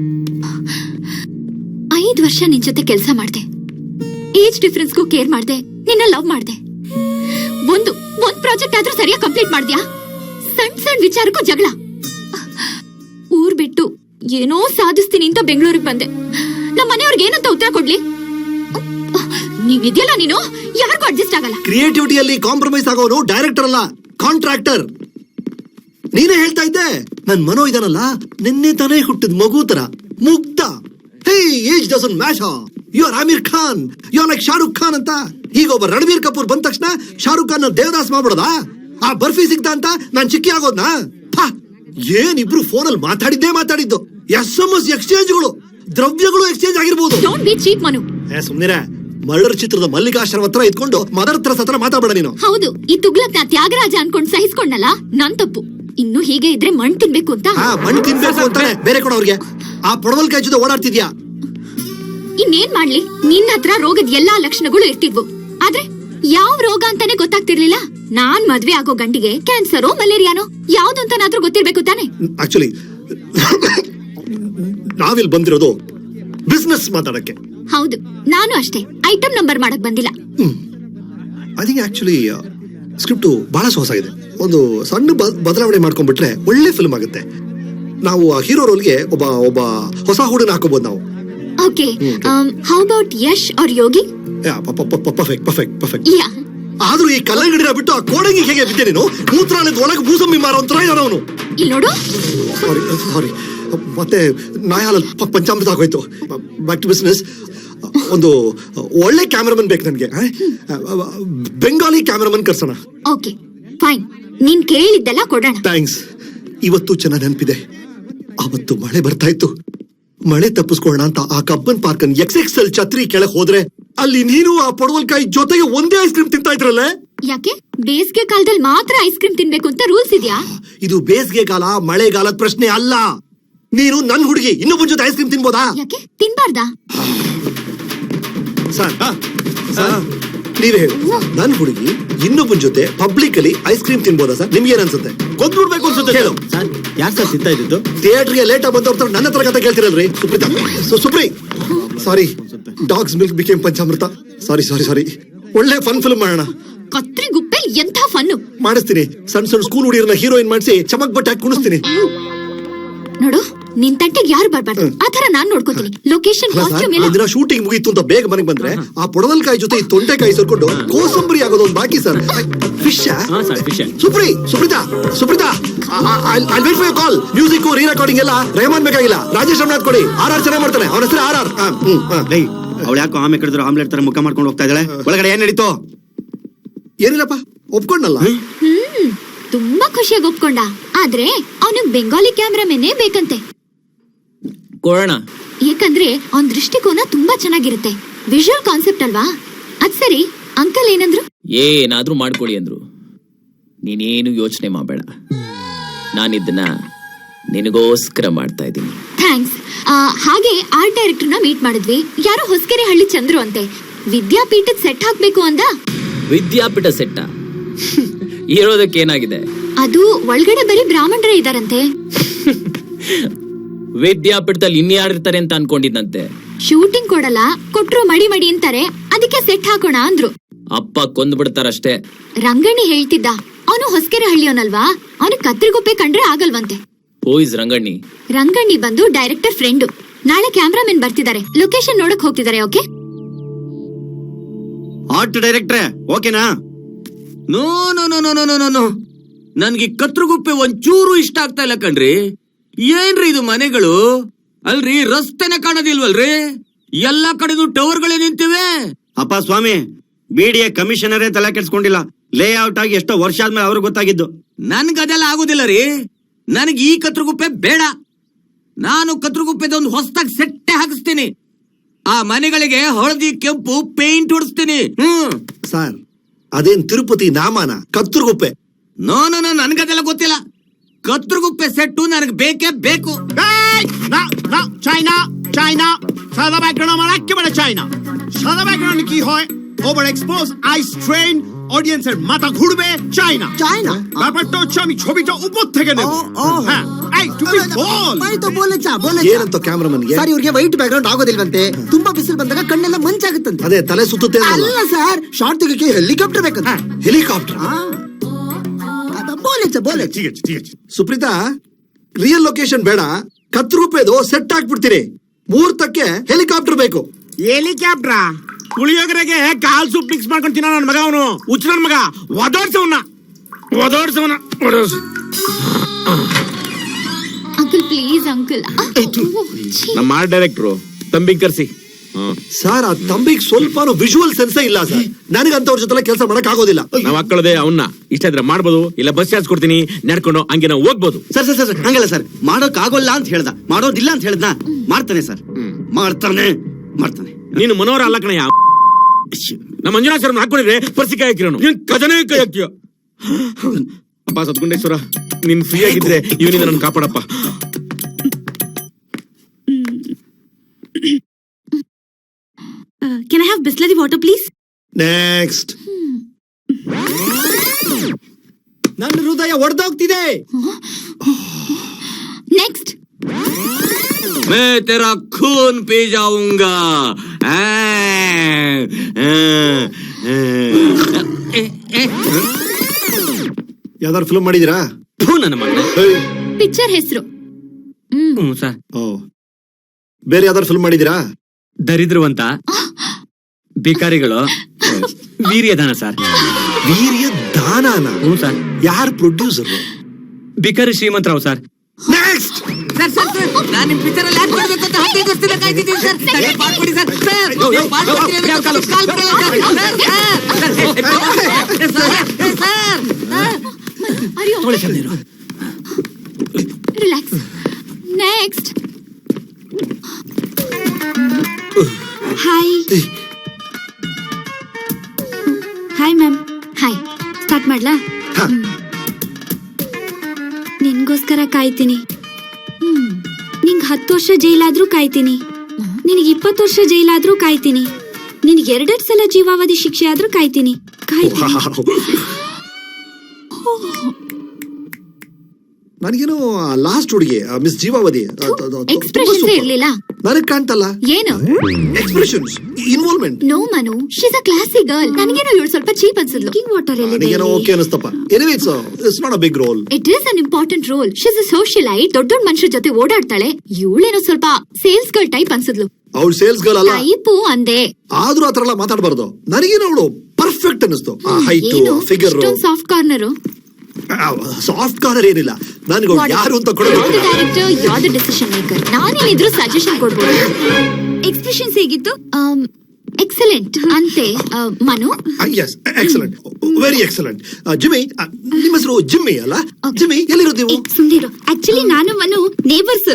5 ವರ್ಷ ನಿನ್ ಜೊತೆ ಕೆಲಸ ಮಾಡ್ದೆ, ಏಜ್ ಡಿಫರೆನ್ಸ್ಗೂ ಕೇರ್ ಮಾಡ್ದೆ, ನಿನ್ನ ಲವ್ ಮಾಡ್ದೆ. ಒಂದ್ ಪ್ರಾಜೆಕ್ಟ್ ಆದ್ರೂ ಸರಿಯಾಗಿ ಕಂಪ್ಲೀಟ್ ಮಾಡ್ದ್ಯಾ? ಸಣ್ಣ ವಿಚಾರಕ್ಕೂ ಜಗಳ. ಊರ್ ಬಿಟ್ಟು ಏನೋ ಸಾಧಿಸ್ತೀನಿ ಅಂತ ಬೆಂಗಳೂರಿಗೆ ಬಂದೆ. ನಮ್ಮ ಮನೆಯವ್ರಿಗೆ ಏನಂತ ಉತ್ತರ ಕೊಡ್ಲಿ? ನೀವಿದ್ಯಲ್ಲ, ನೀನು ಯಾರಿಗೂ ಅಡ್ಜಸ್ಟ್ ಆಗಲ್ಲ.
ಕ್ರಿಯೇಟಿವಿಟಿಯಲ್ಲಿ ಕಾಂಪ್ರಮೈಸ್ ಆಗೋನು ಡೈರೆಕ್ಟರ್ ಅಲ್ಲ, ಕಾಂಟ್ರಾಕ್ಟರ್. ನೀನೇ ಹೇಳ್ತಾ ಇದ್ದೆ, ನನ್ ಮನೋ ಇದನ್ನಲ್ಲ, ನಿನ್ನೆ ತಾನೇ ಹುಟ್ಟಿದ ಮಗು ತರ ಮುಗ್ಧ. ಹೇ, age doesn't matter. You are Aamir Khan, you are like Shahrukh Khan ಅಂತ. ಈಗ ಒಬ್ಬ ರಣಬೀರ್ ಕಪೂರ್ ಬಂದ ತಕ್ಷಣ ಶಾರುಖ್ ಖಾನ್ ದೇವದಾಸ್ ಮಾಡ್ಬಿಡೋದಾ? ಆ ಬರ್ಫಿ ಸಿಗ್ತಾ ಅಂತ ನಾನ್ ಚಿಕ್ಕಿ ಆಗೋದ್ನಾ? ಏನಿಬ್ರು ಫೋನಲ್ಲಿ ಮಾತಾಡಿದ್ದು. SMS ಎಕ್ಸ್ಚೇಂಜ್ಗಳು, ದ್ರವ್ಯಗಳು ಎಕ್ಸ್ಚೇಂಜ್ ಆಗಿರ್ಬೋದು.
Don't be cheap Manu.
ಸುಮ್ನಿರ. ಮರ್ಡರ್ ಚಿತ್ರದ ಮಲ್ಲಿಕಾಶ್ರಮ ಹತ್ರ ಇದ್ಕೊಂಡು ಮದರ್ ತರ ಸತ್ರ ಮಾತಾಡಬೇಡ ನೀನು.
ಹೌದು, ಈ ತುಗ್ಲಕ್ ನಾ ತ್ಯಾಗರಾಜ ಅನ್ಕೊಂಡ್ ಸಹಿಸ್ಕೊಂಡಲ್ಲ, ನನ್ ತಪ್ಪು. ಇನ್ನು ಹೀಗೆ ಇದ್ರೆ ಮಣ್ ತಿನ್ಬೇಕು ಅಂತ.
ಮಣ್ಣು ತಿನ್ಬೇಕು ಅಂತಾನೆ ಬೇರೆ ಕೊಡ ಅವ್ರಿಗೆ. ಆ ಪೊಡವಲ್ಕಾಯಿ ಜೊತೆ ಓಡಾಡ್ತಿದ್ಯಾ?
ಇನ್ನೇನ್ ಮಾಡ್ಲಿ, ನಿನ್ನ ಹತ್ರ ರೋಗದ ಎಲ್ಲಾ ಲಕ್ಷಣಗಳು ಇರ್ತಿದ್ವು, ಆದ್ರೆ ಯಾವ ರೋಗ ಅಂತಾನೆ ಗೊತ್ತಾಗ್ತಿರ್ಲಿಲ್ಲ. ನಾನ್ ಮದ್ವೆ ಆಗೋ ಗಂಡಿಗೆ ಕ್ಯಾನ್ಸರೋ ಮಲೇರಿಯಾನೋ ಯಾವ್ದು ಅಂತನಾದ್ರೂ ಗೊತ್ತಿರ್ಬೇಕು ತಾನೆ.
ಆಕ್ಚುಲಿ ನಾವಿಲ್ ಬಂದಿರೋದು ಬಿಸ್ನೆಸ್ ಮಾತಾಡಕ್ಕೆ.
ಹೌದು, ನಾನು ಅಷ್ಟೇ. ಐಟಮ್ ನಂಬರ್ ಮಾಡಕ್ ಬಂದಿಲ್ಲ.
ಐ ಥಿಂಕ್ ಆಕ್ಚುಲಿ ಸ್ಕ್ರಿಪ್ಟ್ ಬಹಳ ಹೊಸಾಗಿದೆ. ಒಂದು ಸಣ್ಣ ಬದಲಾವಣೆ ಮಾಡ್ಕೊಂಡ್ಬಿಟ್ರೆ ಒಳ್ಳೆ ಫಿಲ್ಮ್ ಆಗುತ್ತೆ. ನಾವು ಆ ಹೀರೋ ರೋಲ್ಗೆ ಒಬ್ಬ ಹೊಸ ಹುಡುಗನ ಹಾಕೋಬಹುದು ನಾವು.
Okay, how about Yash or Yogi?
Perfect.
Yeah.
ಆದ್ರೂ ಈ ಕಲ್ಲಂಗಡಿನ ಬಿಟ್ಟು ಆ ಕೋಡಂಗಿ ಹೇಗೆ ಬಿದ್ದೆ ನೀನು? ಮೂತ್ರಾಲಯದ ಒಳಗೆ ಮೂಸಂಬಿ ಮಾರೋ ಒಂಥರ ಇದ್ದಾನೆ ಅವನು.
ಇಲ್ಲಿ ನೋಡು.
ಸಾರಿ ಮತ್ತೆ ನಾಯಾಲಲ್ಲಿ ಪಂಚಾಮೃತ ಆಗೋಯ್ತು. Back to business. ಒಂದು ಒಳ್ಳೆ ಕ್ಯಾಮರಾಮನ್ ಬೇಕು ನನಗೆ. ಬೆಂಗಾಲಿ ಕ್ಯಾಮರಾಮನ್ ಕರ್ಸೋಣ.
ಓಕೆ ಫೈನ್, ನೀನ್ ಕೇಳಿದ್ದೆಲ್ಲ ಕೊಡೋಣ.
ಥ್ಯಾಂಕ್ಸ್. ಇವತ್ತು ಚೆನ್ನಾಗಿ ನೆನಪಿದೆ, ಅವತ್ತು ಮಳೆ ಬರ್ತಾ ಇತ್ತು. ಮಳೆ ತಪ್ಪಿಸ್ಕೊಳ್ಳೋಣ ಅಂತ ಆ ಕಬ್ಬನ್ ಪಾರ್ಕ್ XXL ಛತ್ರಿ ಕೆಳಗೆ ಹೋದ್ರೆ ಅಲ್ಲಿ ನೀನು ಆ ಪಡವಲ್ಕಾಯಿ ಜೊತೆಗೆ ಒಂದೇ ಐಸ್ ಕ್ರೀಮ್ ತಿಂತಾ ಇದ್ರಲ್ಲ.
ಯಾಕೆ ಬೇಸಿಗೆ ಕಾಲದಲ್ಲಿ ಮಾತ್ರ ಐಸ್ ಕ್ರೀಮ್ ತಿನ್ಬೇಕು ಅಂತ ರೂಲ್ಸ್ ಇದೆಯಾ?
ಇದು ಬೇಸಿಗೆ ಕಾಲ ಮಳೆಗಾಲದ ಪ್ರಶ್ನೆ ಅಲ್ಲ. ನೀನು ನನ್ ಹುಡುಗಿ ಇನ್ನೊಬ್ಬನ ಜೊತೆ ಐಸ್ ಕ್ರೀಮ್ ತಿನ್ಬೋದಾ?
ಯಾಕೆ ತಿನ್ಬಾರ್ದಾ?
ಸರ್ ನೀವೇ ಹೇಳಿ, ನನ್ ಹುಡುಗಿ ಇನ್ನೊಬ್ಬನ ಜೊತೆ ಪಬ್ಲಿಕ್ ಅಲ್ಲಿ ಐಸ್ ಕ್ರೀಮ್ ತಿನ್ಬೋದಾ ಸರ್? ನಿಮ್ಗೆ ಏನ್ ಅನ್ಸುತ್ತೆ? ಕೊಂದ್ಬಿಡ್ಬೇಕು ಅನ್ಸುತ್ತೆ. ಹೇಳು
ಸರ್, ಯಾರು ಸರ್ ತಿಂತಾ ಇದ್ದು?
ಥಿಯೇಟರ್ಗೆ ಲೇಟ್ ಆಗಿ ಬಂದವ್ರ ನನ್ನ ಹತ್ರ ಕತೆ ಕೇಳ್ತಿರಲ್ರಿ. Supri sorry, dogs milk became ಪಂಚಾಮೃತ. ಸಾರಿ. ಒಳ್ಳೆ ಫನ್ ಫಿಲ್ಮ್ ಮಾಡೋಣ.
ಕತ್ರಿ ಗುಪ್ಪೆ ಎಂಥ ಫನ್ನು
ಮಾಡಿಸ್ತೀನಿ. ಸಣ್ಣ ಸ್ಕೂಲ್ ಹುಡುಗಿರನ್ನ ಹೀರೋಯಿನ್ ಮಾಡಿಸಿ ಚಮಕ್ ಬಟ್ಟೆ ಹಾಕಿ ಕುಣಿಸ್ತೀನಿ.
ನೋಡು, ನಿನ್ ತಟ್ಟೆಗೆ ಯಾರು ಬರ್ಬಾರ್ದು, ಆತರ ನಾನ್ ನೋಡ್ಕೋತೀನಿ. ಲೊಕೇಶನ್, ಕಾಸ್ಟ್ಯೂಮ್ ಎಲ್ಲ.
ಒಂದಿನ ಶೂಟಿಂಗ್ ಮುಗೀತು ಅಂತ ಬೇಗ ಮನೆಗೆ ಬಂದ್ರೆ ಆ ಪೊಡವಲ್ಕಾಯಿ ಜೊತೆ ಈ ತೊಂಡೆಕಾಯಿ ಸೇರ್ಕೊಂಡು ಕೋಸಂಬರಿ ಆಗೋದು ಒಂದು ಬಾಕಿ sir. Fish Suprita I wait for your call. Music re recording ಎಲ್ಲ ರೆಹಮಾನ್ ಬೇಕಾಗಿಲ್ಲ, ರಾಜೇಶ್ ರಮನಾಥ್ ಕೊಡಿ. RR ಚೆನ್ನಾಗಿ ಮಾಡ್ತಾನೆ, ಅವನ ಹೆಸರು RR.
ಅವಳು ಯಾಕೋ ಆಮೆ ಕಡಿದ್ರು ಆಮ್ಲೆಟ್ ತರ ಮುಖ ಮಾಡ್ಕೊಂಡು ಹೋಗ್ತಾ ಇದ್ದಾಳೆ. ಒಳಗಡೆ ಏನ್ ನಡೀತು?
ಏನಿಲ್ಲಪ್ಪ, ಒಪ್ಕೊಂಡಲ್ಲ.
ತುಂಬಾ ಖುಷಿಯಾಗಿ ಒಪ್ಕೊಂಡ. ಆದ್ರೆ ಅವನಿಗೆ ಬೆಂಗಾಲಿ ಕ್ಯಾಮ್ರಾಮನ್ನೇ ಬೇಕಂತೆ.
ಕೊಡೋಣ.
ಯಾಕಂದ್ರೆ ಅವನ್ ದೃಷ್ಟಿಕೋನ ತುಂಬಾ ಚೆನ್ನಾಗಿರುತ್ತೆ. ವಿಜುವಲ್ ಕಾನ್ಸೆಪ್ಟ್ ಅಲ್ವಾ? ಅದ್ ಸರಿ, ಅಂಕಲ್ ಏನಂದ್ರು?
ಏನಾದ್ರೂ ಮಾಡ್ಕೊಡಿ ಅಂದ್ರು. ನೀನೇನು ಯೋಚನೆ ಮಾಡಬೇಡ, ನಾನಿದ್ದನ್ನ ನಿನಗೋಸ್ಕರ ಮಾಡ್ತಾ ಇದ್ದೀನಿ.
ಥ್ಯಾಂಕ್ಸ್. ಹಾಗೆ ಆರ್ಟ್ ಡೈರೆಕ್ಟರ್ನ ಮೀಟ್ ಮಾಡಿದ್ವಿ. ಯಾರೋ ಹೊಸಕೆರೆ ಹಳ್ಳಿ ಚಂದ್ರು ಅಂತೆ. ವಿದ್ಯಾಪೀಠದ ಸೆಟ್ ಹಾಕ್ಬೇಕು ಅಂದ.
ವಿದ್ಯಾಪೀಠ ಸೆಟ್ಟ ಇರೋದಕ್ಕೆ ಏನಾಗಿದೆ?
ಅದು ಒಳಗಡೆ ಬರೀ ಬ್ರಾಹ್ಮಣರೇ ಇದಾರಂತೆ.
ವಿದ್ಯಾಪೀಠದಲ್ಲಿ ಇನ್ಯಾರಿರ್ತಾರೆ ಅಂತ ಅನ್ಕೊಂಡಿದ್ದಂತೆ.
ಶೂಟಿಂಗ್ ಕೊಡಲ್ಲ, ಕೊಟ್ರು ಮಡಿ ಅಂತಾರೆ. ಅದಕ್ಕೆ ಸೆಟ್ ಹಾಕೋಣ ಅಂದ್ರು.
ಅಪ್ಪ ಕೊಂದ್ ಬಿಡ್ತಾರಷ್ಟೇ.
ರಂಗಣ್ಣಿ ಹೇಳ್ತಿದ್ದ, ಅವನು ಹೊಸಕೆರೆ ಹಳ್ಳಿಯವನಲ್ವಾ, ಅವನು ಕತ್ರಿಗುಪ್ಪೆ ಕಂಡ್ರೆ ಆಗಲ್ವಂತೆ.
ಹೋಯ್ಸ್ ರಂಗಣ್ಣಿ?
ರಂಗಣ್ಣಿ ಬಂದು ಡೈರೆಕ್ಟರ್ ಫ್ರೆಂಡು. ನಾಳೆ ಕ್ಯಾಮ್ರಾಮನ್ ಬರ್ತಿದ್ದಾರೆ, ಲೊಕೇಶನ್ ನೋಡಕ್ ಹೋಗ್ತಿದ್ದಾರೆ. ಓಕೆ
ಆರ್ಟ್ ಡೈರೆಕ್ಟ್ರೆ ಓಕೆನಾ?
ನೋ ನನ್ಗೆ ಕತ್ರಗುಪ್ಪೆ ಒಂಚೂರು ಇಷ್ಟ ಆಗ್ತಾ ಇಲ್ಲ ಕಣ್ರಿ. ಏನ್ರಿ ಇದು ಮನೆಗಳು? ಅಲ್ರಿ ರಸ್ತೆನೆ ಕಾಣೋದಿಲ್ವಲ್ರಿ? ಎಲ್ಲಾ ಕಡೆನೂ ಟವರ್ಗಳೇ ನಿಂತಿವೆ.
ಅಪ್ಪ ಸ್ವಾಮಿ, BDA ಕಮಿಷನರೇ ತಲೆ ಕೆಡ್ಸ್ಕೊಂಡಿಲ್ಲ. ಲೇಔಟ್ ಆಗಿ ಎಷ್ಟೋ ವರ್ಷ ಆದ್ಮೇಲೆ ಅವ್ರಿಗೆ ಗೊತ್ತಾಗಿದ್ದು.
ನನ್ಗದೆಲ್ಲ ಆಗುದಿಲ್ಲ ರೀ. ನನಗೆ ಈ ಕತ್ರಗುಪ್ಪೆ ಬೇಡ. ನಾನು ಕತ್ರಗುಪ್ಪೆದ ಒಂದು ಹೊಸದಾಗಿ ಸೆಟ್ಟೆ ಹಾಕಿಸ್ತೀನಿ. ಆ ಮನೆಗಳಿಗೆ ಹಳದಿ ಕೆಂಪು ಪೇಂಟ್ ಹೊಡಿಸ್ತೀನಿ.
ಸರ್, ಅದೇನ್ ತಿರುಪತಿ ನಾಮಾನ? ಕತ್ರಗುಪ್ಪೆ.
ನೋ ನನ್ಗದೆಲ್ಲ ಗೊತ್ತಿಲ್ಲ. ಕತ್ರಗುಪ್ಪೆ ಸೆಟ್ಟು ನನಗೆ ಬೇಕೇ ಬೇಕು.
চাইনা সাদা ব্যাকগ্রাউন্ড আমার একেবারে চাই না। সাদা ব্যাকগ্রাউন্ড কি হয়? ওভার এক্সপোজ আইস ট্রেন
অডিয়েন্সের মাথা ঘুরবে চাই না। ব্যাপারটা হচ্ছে আমি ছবিটা উপর থেকে নেব। হ্যাঁ, এই তুমি বল।
ಏನಂತ ಕ್ಯಾಮ್ರಾಮನ್ಗೆ
ಸರ್ ಇವ್ರಿಗೆ ವೈಟ್ ಬ್ಯಾಕ್ ಗ್ರೌಂಡ್ ಆಗೋದಿಲ್ವಂತೆ, ತುಂಬಾ ಬಿಸಿಲು ಬಂದಾಗ ಕಣ್ಣೆಲ್ಲ ಮಂಚಾಗುತ್ತಂತೆ.
ಅದೇ ತಲೆ ಸುತ್ತುತ್ತೆ ಅನ್ನಲ್ಲ.
ಅಲ್ಲ ಸರ್, ಶಾರ್ಟ್ ತೆಗಿಕ್ಕೆ ಹೆಲಿಕಾಪ್ಟರ್ ಬೇಕಂತ.
ಹೆಲಿಕಾಪ್ಟರ್
ಬೋಲೆ
ঠিক আছে ঠিক আছে।
ಸುಪ್ರೀತಾ, ರಿಯಲ್ ಲೊಕೇಶನ್ ಬೇಡ, 10 ರೂಪಾಯಿದು ಸೆಟ್ ಹಾಕ್ಬಿಡ್ತೀರಿ. ಮುಹೂರ್ತಕ್ಕೆ ಹೆಲಿಕಾಪ್ಟರ್ ಬೇಕು.
ಹೆಲಿಕಾಪ್ಟ್ರಾ? ಪುಳಿಯೋಗರೆಗೆ ಕಾಲ್ ಸೂಪ್ ಮಿಕ್ಸ್ ಮಾಡ್ಕೊಂಡು ತಿನ್ನೋ ನನ್ನ ಮಗ ಅವನು, ಹುಚ್ಚ ನನ್ನ ಮಗ. ಒದೋಡ್ಸವನ್ನ
ಅಂಕಲ್ ಪ್ಲೀಸ್ ಅಂಕಲ್.
ನಮ್ಮ ಆರ್ಟ್ ಡೈರೆಕ್ಟ್ರು ತಂಬಿಗ್ ಕರ್ಸಿ.
ಸರ್, ಆ ತಂಬಿಗೆ ಸ್ವಲ್ಪನೂ ವಿಜುವಲ್ ಸೆನ್ಸೇ ಇಲ್ಲ ಸರ್. ನನಗಂತವ್ರ ಜೊತೆ ಕೆಲಸ ಮಾಡಕ್ ಆಗೋದಿಲ್ಲ.
ನಾವ್ ಹಾಕೊಳ್ಳೋದೆ ಅವನ್ನ. ಇಷ್ಟ ಇದ್ರೆ ಮಾಡ್ಬೋದು, ಇಲ್ಲ ಬಸ್ ಚಾರ್ಜ್ ಕೊಡ್ತೀನಿ, ನಡ್ಕೊಂಡು ಹಂಗೆ ನಾವು ಹೋಗ್ಬೋದು.
ಸರ್ ಸರ್ ಸರ್ ಹಂಗಲ್ಲ ಸರ್, ಮಾಡೋಕ್ ಆಗೋಲ್ಲ ಅಂತ ಹೇಳ್ದ, ಮಾಡೋದಿಲ್ಲ ಅಂತ ಹೇಳ್ದ. ಮಾಡ್ತಾನೆ ಸರ್, ಮಾಡ್ತಾನೆ.
ನೀನು ಮನೋಹರ ಅಲ್ಲ ಕಣಯ್ಯ. ನಮ್ಮ ಮಂಜುನಾಥ್ ಸರ್ ಹಾಕೊಂಡಿದ್ರೆ ಪರ್ಸಿ ಕೈ ಹಾಕಿರೋನು, ನೀನ್ ಕಜನೇ ಕೈ ಹಾಕ್ತೀಯ. ಅಪ್ಪ ಸತ್ಗುಂಡೇಶ್ವರ, ನೀನ್ ಫ್ರೀ ಆಗಿದ್ರೆ ಇವನಿಂದ ನನ್ನ ಕಾಪಾಡಪ್ಪ.
Can I have Bisleri water, please?
Next.
ನನ್ನ ಹೃದಯ ಒಡೆದೋಗ್ತಿದೆ.
ನೆಕ್ಸ್ಟ್.
मैं तेरा खून पी जाऊंगा.
ಯಾವ್ದಾದ್ರು ಫಿಲ್ಮ್ ಮಾಡಿದೀರಾ?
ನನ್ನ ಮಗನೇ.
ಪಿಕ್ಚರ್ ಹೆಸರು
ಸರ್,
ಓ, ಬೇರೆ ಯಾವ್ದಾದ್ರು ಫಿಲ್ಮ್ ಮಾಡಿದೀರಾ?
ದರಿದ್ರವಂತ, ಭಿಕಾರಿಗಳು, ವೀರ್ಯದಾನ ಸರ್.
ವೀರ್ಯ ದಾನನ?
ಸರ್.
ಯಾರು ಪ್ರೊಡ್ಯೂಸರ್?
ಭಿಕಾರಿ ಶ್ರೀಮಂತರಾವ್ ಸರ್.
ನೆಕ್ಸ್ಟ್.
ಸರ್ ನಾನು ನಿಮ್ ಪಿಕ್ಚರ್ ಅಲ್ಲಿ ಆಕ್ಟ್ ಮಾಡ್ಬೇಕು ಅಂತ 15 ವರ್ಷದಿಂದ ಕಾಯ್ತಿದ್ದೀನಿ ಸರ್. ನನಗೆ ಪಾರ್ಟ್ ಕೊಡಿ ಸರ್. ಸರ್ ಪಾರ್ಟ್ ಕೊಡ್ತೀನಿ ಅಂತ ಕಾಲ್ ಬಿಡಲ್ಲ sir.
Relax. Next.
Hi ma'am.
Hi.
Start ಮಾಡ್ಲಾ? ನಿನ್ಗೋಸ್ಕರ ಕಾಯ್ತೀನಿ. ನಿಂಗ್ 10 ವರ್ಷ ಜೈಲಾದ್ರೂ ಕಾಯ್ತೀನಿ. ನಿನಗೆ 20 ವರ್ಷ ಜೈಲಾದ್ರೂ ಕಾಯ್ತೀನಿ. ನಿನಗೆ 2 ಸಲ ಜೀವಾವಧಿ ಶಿಕ್ಷೆ ಆದ್ರೂ ಕಾಯ್ತೀನಿ.
ನನಗೇನೋ ಲಾಸ್ಟ್ ಹುಡುಗಿ ಮಿಸ್ ಜೀವಾವಧಿ
ಎಕ್ಸ್ಪ್ರೆಷನ್ಸ್ ಇರ್ಲಿಲ್ಲ.
ನನಗ್ ಕಾಣ್ತಲ್ಲ.
ಏನು
expressions, involvement.
No Manu, she is a classy girl. ನನಗೇನೋ ಇವಳು ಸ್ವಲ್ಪ ಚೀಪ್ ಅನ್ಸಿದ್ಲು.
ವಾಟರ್
ನನಗೇನೋ ಓಕೆ ಅನಿಸ್ತಪ್ಪ. Anyway it's not a big role.
It is an important role. She is a socialite. ದೊಡ್ಡ ಮನುಷ್ಯರ ಜೊತೆ ಓಡಾಡ್ತಾಳೆ. ಇವಳೇನೋ ಸ್ವಲ್ಪ ಸೇಲ್ಸ್ ಗರ್ಲ್ ಟೈಪ್ ಅನ್ಸಿದ್ಲು.
ಅವಳು ಸೇಲ್ಸ್ ಗರ್ಲ್ ಅಲ್ಲ.
ಟೈಪು ಅಂದೆ.
ಆದ್ರೂ ಆತರ ಎಲ್ಲ ಮಾತಾಡಬಾರ್ದು. ನನಗೇನೋ ಅವಳು ಪರ್ಫೆಕ್ಟ್ ಅನಿಸ್ತು. ಆ height, figure.
Soft corner.
Soft corner ಏನಿಲ್ಲ. ನನಗೆ ಯಾರು ಅಂತ ಕೊಡಬೇಕು.
Director, you are the decision maker. ನಾನೇನಿದ್ರು ಸಜೆಷನ್ ಕೊಡ್ಬೋದು.
ಎಕ್ಸ್ಪ್ರೆಷನ್ಸ್ ಹೇಗಿತ್ತು?
ಎಕ್ಸಲೆಂಟ್ ಅಂತೆ. Manu?
Yes, excellent, very excellent. Jimmy, ನಿಮ್ಮ ಹೆಸರು ಜಿಮ್ಮಿ ಅಲ್ಲ? ಜಿಮ್ಮಿ, ಎಲ್ಲಿರೋದು ನೀವು?
ಸುಂದಿರು. ಆಕ್ಚುಲಿ ನಾನು ಮನು ನೇಬರ್ಸ್.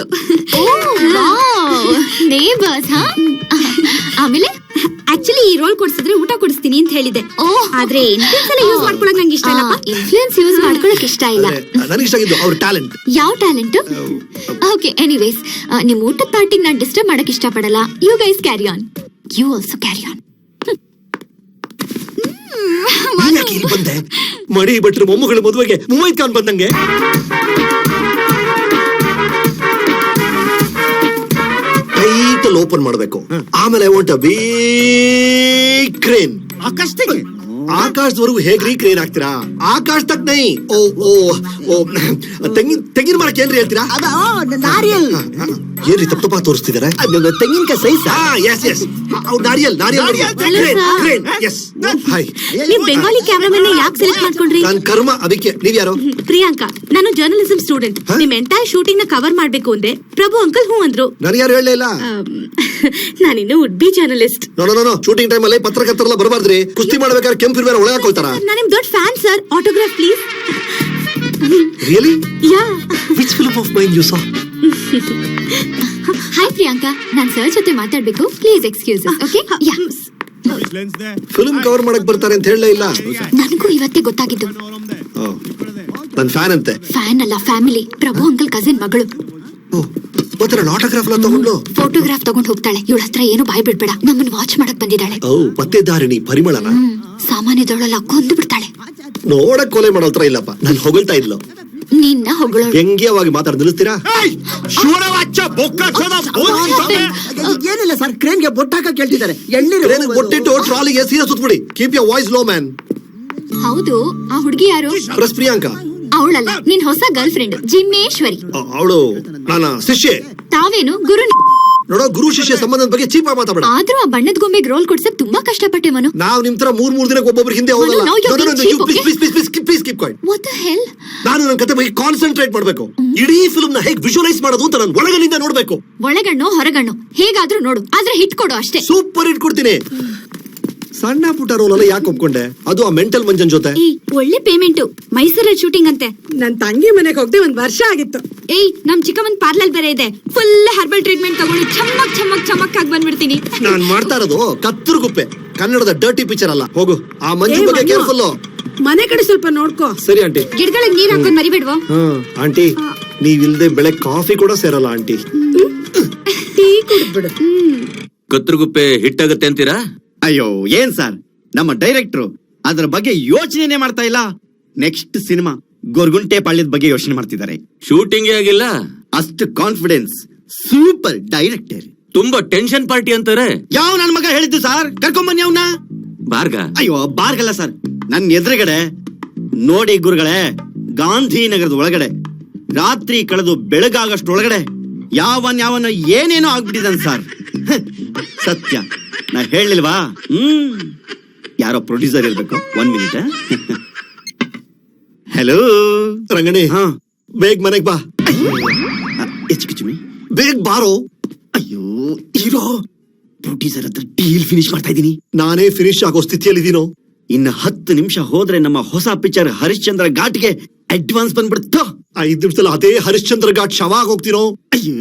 ನೇಬರ್ಸ್. ಆಮೇಲೆ
ಆಕ್ಚುಲಿ ಈ ರೋಲ್ ಕೊಡ್ಸಿದ್ರೆ ಊಟ ಕೊಡಿಸ್ತೀನಿ ಅಂತ ಹೇಳಿದೆ. ಆದ್ರೆ ಇನ್ಫ್ಲೂಯೆನ್ಸ್ ಎಲ್ಲ ಯೂಸ್ ಮಾಡ್ಕೊಳಕ್ ನಂಗೆ ಇಷ್ಟ ಇಲ್ಲ.
ಇನ್ಫ್ಲೂಯೆನ್ಸ್ ಯೂಸ್ ಮಾಡ್ಕೊಳಕ್ ಇಷ್ಟ ಇಲ್ಲ.
ನನಗೆ ಇಷ್ಟ ಆಗಿದ್ದು ಅವ್ರ ಟ್ಯಾಲೆಂಟ್.
ಯಾವ ಟ್ಯಾಲೆಂಟ್? ಓಕೆ, ಎನಿವೇಸ್, ನಿಮ್ ಊಟದ ಪಾರ್ಟಿಗೆ ನಾನು ಡಿಸ್ಟರ್ಬ್ ಮಾಡಕ್ ಇಷ್ಟ ಪಡಲ್ಲ. You guys carry on. You also carry on.
ಯಾಕೆ ಇಲ್ಲಿ ಬಂದೆ? ಮಡಿ ಭಟ್ರು ಮೊಮ್ಮಗಳ ಮದುವೆಗೆ ಮುಮೈದ್ ಖಾನ್ ಬಂದಂಗೆ. ಟೈಟಲ್ ಓಪನ್ ಮಾಡಬೇಕು. ಆಮೇಲೆ I want a big crane. ಆಕಾಶದವರೆಗೂ ಹೇಗ್ರಿ ಕ್ರೇನ್ ಹಾಕ್ತೀರಾ? ಆಕಾಶ ತಕ್ ನೈ. ಓ ಓ ಓ, ತೆಂಗಿನ ಮರಕ್ಕೆ ಏನ್ರಿ ಹೇಳ್ತೀರಾ?
ನಾರಿಯಲ್.
ಏನ್ರಿ ತಪ್ಪಾ ತೋರಿಸ್ತಿದಾರೆ?
ತೆಂಗಿನಕಾಯಿ ಸೈಜ್.
ಎಸ್ ಎಸ್, ನಾರಿಯಲ್. ಹಾಯ್.
ನೀವು ಬೆಂಗಾಲಿ ಕ್ಯಾಮ್ರಾಮನ್ ಯಾಕೆ ಸೆಲೆಕ್ಟ್ ಮಾಡ್ಕೊಂಡ್ರಿ?
ನಾನ್ ಕರ್ಮ. ಅದಕ್ಕೆ ನೀವ್ ಯಾರು?
ಪ್ರಿಯಾಂಕಾ. ನಾನು ಜರ್ನಲಿಸಂ ಸ್ಟೂಡೆಂಟ್. ನಿಮ್ ಎಂಟೈರ್ ಶೂಟಿಂಗ್ ನ ಕವರ್ ಮಾಡ್ಬೇಕು ಅಂದೆ. ಪ್ರಭು ಅಂಕಲ್ ಹೂ ಅಂದ್ರು.
ನನಗೆ ಯಾರು ಹೇಳಲಿಲ್ಲ.
ನಾನಿನ್ನು would be journalist.
No, shooting time ಅಲ್ಲಿ ಪತ್ರಕರ್ತರೆಲ್ಲ ಬರಬಾರ್ದ್ರಿ. ಕುಸ್ತಿ ಮಾಡ್ಬೇಕಾದ್ರೆ ಕೆಂಪು ಇರ್ಬೇಡ, ಒಳಗೆ ಹಾಕೊಳ್ತಾರ.
ನಾನು ನಿಮ್ ದೊಡ್ಡ fan sir. Autograph please.
Really?
Yeah.
Which film of mine you saw?
Hi Priyanka, ನಾನ್ ಸರ್ ಜೊತೆ ಮಾತಾಡ್ಬೇಕು. Please excuse. Okay? Yeah.
Film cover ಮಾಡಕ್ ಬರ್ತಾರೆ ಅಂತ ಹೇಳಲೇ ಇಲ್ಲ.
ನನಗೂ ಇವತ್ತೇ ಗೊತ್ತಾಗಿದ್ದು.
ನನ್ ಫ್ಯಾನ್ ಅಂತೆ.
ಫ್ಯಾನ್ ಅಲ್ಲ, ಫ್ಯಾಮಿಲಿ. ಪ್ರಭು ಅಂಕಲ್ ಕಸಿನ್ ಮಗಳು.
ಮತ್ತೆ ನನ್ನ ಆಟೋಗ್ರಾಫ್ ಎಲ್ಲ ತಗೊಂಡು
ಫೋಟೋಗ್ರಾಫ್ ತಗೊಂಡ್ ಹೋಗ್ತಾಳೆ. ಇವಳ ಹತ್ರ ಏನು ಬಾಯ್ ಬಿಡ್ಬೇಡ. ನಮ್ಮನ್ನ ವಾಚ್ ಮಾಡಕ್ ಬಂದಿದ್ದಾಳೆ.
ಓ ಪತ್ತೆದಾರಿಣಿ ಪರಿಮಳನ
ಸಾಮಾನ್ಯದೊಳಲ್ಲ ಕೊಂದು ಬಿಡ್ತಾಳೆ.
ನೋಡಕ್ ಕೊಲೆ ಮಾಡೋತ್ರ ಇಲ್ಲಪ್ಪ. ನಾನು ಹೊಗಳ್ತಾ ಇದ್ಲು.
ನಿನ್ನ ಹೊಗಳೋಳು.
ವ್ಯಂಗ್ಯವಾಗಿ ಮಾತಾಡ್ ನಿಲ್ಲಿಸ್ತೀರಾ?
ಏನಿಲ್ಲ ಸರ್, ಕ್ರೇನ್ಗೆ ಬೊಟ್ಟಾಕ ಕೇಳ್ತಿದ್ದಾರೆ. ಎಣ್ಣೀರು
ಬೊಟ್ಟಿಟ್ಟು ಟ್ರಾಲಿಗೆ ಸೀರೆ ಸುತ್ಬಿಡಿ. Keep your voice low man.
ಹೌದು, ಆ ಹುಡುಗಿ ಯಾರು?
ಪ್ರೆಸ್ ಪ್ರಿಯಾಂಕಾ.
ಅವಳಲ್ಲ, ನಿನ್ ಹೊಸ ಗರ್ಲ್ ಫ್ರೆಂಡ್ ಜಿಮ್ಮೇಶ್ವರಿ.
ಅವಳು ನನ್ನ ಶಿಷ್ಯೆ.
ತಾವೇನು ಗುರು?
ನೋಡೋ, ಗುರು ಶಿಷ್ಯ ಸಂಬಂಧದ ಬಗ್ಗೆ ಚೀಪ್ ಆಗಿ ಮಾತಾಡ.
ಆದ್ರೂ ಆ ಬಣ್ಣದ ಗೊಂಬೆಗೆ ರೋಲ್ ಕೊಡ್ಸಕ್ ತುಂಬಾ ಕಷ್ಟಪಟ್ಟೆ ಮನು.
ನಾವು ನಿಮ್ ತರ ಮೂರ್ ದಿನಕ್ಕೆ ಒಬ್ಬೊಬ್ರು ಹಿಂದೆ ಹೋಗಲ್ಲ.
Manu, now you're being cheap, okay?
Please keep quiet.
What the hell?
ನಾನು ನನ್ನ ಕತೆ ಬಗ್ಗೆ ಕಾನ್ಸಂಟ್ರೇಟ್ ಮಾಡ್ಬೇಕು. ಇಡೀ ಫಿಲ್ಮ್ ನ ಹೇಗೆ ವಿಜುವಲೈಸ್ ಮಾಡೋದು ಅಂತ ನಾನು ಒಳಗನಿಂದ ನೋಡ್ಬೇಕು.
ಒಳಗಣ್ಣು ಹೊರಗಣ್ಣು ಹೇಗಾದ್ರೂ ನೋಡು, ಆದ್ರೆ ಹಿಟ್ ಕೊಡು ಅಷ್ಟೇ.
ಸೂಪರ್ ಹಿಟ್ ಕೊಡ್ತೀನಿ. ಸಣ್ಣ ಪುಟ್ಟ ರೋಲ್ ಅಲ್ಲ ಯಾಕೆ ಒಪ್ಕೊಂಡೆ? ಅದು ಆ ಮೆಂಟಲ್ ಮಂಜನ್ ಜೊತೆ.
ಒಳ್ಳೆ ಪೇಮೆಂಟ್. ಮೈಸೂರಲ್ಲಿ ಶೂಟಿಂಗ್ ಅಂತೆ.
ನನ್ ತಂಗಿ ಮನೆಗೆ ಹೋಗ್ದೆ 1 ವರ್ಷ ಆಗಿತ್ತು.
ನಮ್ ಚಿಕ್ಕಮ್ಮನ್ ಪಾರ್ಲರ್ ಬೇರೆ ಇದೆ. ಫುಲ್ ಹರ್ಬಲ್ ಟ್ರೀಟ್ಮೆಂಟ್ ತಗೊಂಡು ಚಮಕ್ ಚಮಕ್ ಚಮಕ್ ಆಗಿ ಬಂದ್ಬಿಡ್ತೀನಿ.
ನಾನ್ ಮಾಡ್ತಾ ಇರೋದು ಕತ್ತರುಗುಪ್ಪೆ, ಕನ್ನಡದ ಡರ್ಟಿ ಪಿಕ್ಚರ್ ಅಲ್ಲ. ಹೋಗು, ಆ ಮಂಜು ಬಗ್ಗೆ ಕೇರ್ಫುಲ್.
ಮನೆ ಕಡೆ ಸ್ವಲ್ಪ ನೋಡ್ಕೋ.
ಸರಿ ಆಂಟಿ.
ಗಿಡಗಳಿಗೆ ನೀರ್ ಹಾಕೊಂಡ್ ಮರಿಬೇಡ್ವೋ?
ಆಂಟಿ, ನೀವಿಲ್ದೆ ಬೆಳೆ ಕಾಫಿ ಕೂಡ ಸೇರಲ್ಲ ಆಂಟಿ.
ಟೀ ಕುಡ್ಬಿಡು.
ಕತ್ರಗುಪ್ಪೆ ಹಿಟ್ಟಾಗತ್ತೆ ಅಂತೀರಾ?
ಅಯ್ಯೋ ಏನ್ ಸರ್, ನಮ್ಮ ಡೈರೆಕ್ಟ್ರು ಅದ್ರ ಬಗ್ಗೆ ಯೋಚನೆ ಮಾಡ್ತಾ ಇಲ್ಲ. ನೆಕ್ಸ್ಟ್ ಸಿನಿಮಾ ಗೊರ್ಗುಂಟೆ ಪಾಳ್ಯದ ಬಗ್ಗೆ ಯೋಚನೆ ಮಾಡ್ತಿದ್ದಾರೆ.
ಶೂಟಿಂಗೇ ಆಗಿಲ್ಲ.
ಅಷ್ಟು ಕಾನ್ಫಿಡೆನ್ಸ್. Super director.
ತುಂಬಾ ಟೆನ್ಷನ್ ಪಾರ್ಟಿ ಅಂತಾರೆ.
ಯಾವ ನನ್ ಮಗ ಹೇಳಿದ್ದು ಸರ್? ಕರ್ಕೊಂಬನ್ನಿ ಅವನ್ನ.
ಬಾರ್ಗ?
ಅಯ್ಯೋ ಬಾರ್ಗಲ್ಲ ಸರ್, ನನ್ನ ಎದುರುಗಡೆ ನೋಡಿ ಗುರುಗಳೇ. ಗಾಂಧಿನಗರದ ಒಳಗಡೆ ರಾತ್ರಿ ಕಳೆದು ಬೆಳಗಾಗಷ್ಟೊಳಗಡೆ ಯಾವನ ಏನೇನೋ ಆಗ್ಬಿಟ್ಟಿದ್ದಾನೆ ಸರ್. ಸತ್ಯ ನಾ ಹೇಳಿಲ್ವಾ? ಯಾರೋ ಪ್ರೊಡ್ಯೂಸರ್ ಇರ್ಬೇಕು. 1 ಮಿನಿಟ್. ಹಲೋ
ರಂಗಣಿ, ಬೇಗ ಮನೆಗ್ ಬಾ.
ಹೆಚ್ಚು
ಬೇಗ ಬಾರೋ.
ಅಯ್ಯೋ ಹೀರೋ, ಪ್ರೊಡ್ಯೂಸರ್ ಹತ್ರ ಡೀಲ್ ಫಿನಿಶ್ ಮಾಡ್ತಾ ಇದ್ದೀನಿ.
ನಾನೇ ಫಿನಿಶ್ ಆಗೋ ಸ್ಥಿತಿಯಲ್ಲಿದ್ದೀನೋ.
ಇನ್ನು 10 ನಿಮಿಷ ಹೋದ್ರೆ ನಮ್ಮ ಹೊಸ ಪಿಕ್ಚರ್ ಹರಿಶ್ಚಂದ್ರ ಘಾಟ್ಗೆ ಅಡ್ವಾನ್ಸ್ ಬಂದ್ಬಿಡುತ್ತೋ.
5 ನಿಮಿಷದಲ್ಲಿ ಅದೇ ಹರಿಶ್ಚಂದ್ರ ಘಾಟ್ ಶವ ಆಗಿ ಹೋಗ್ತೀನೋ.
ಅಯ್ಯೋ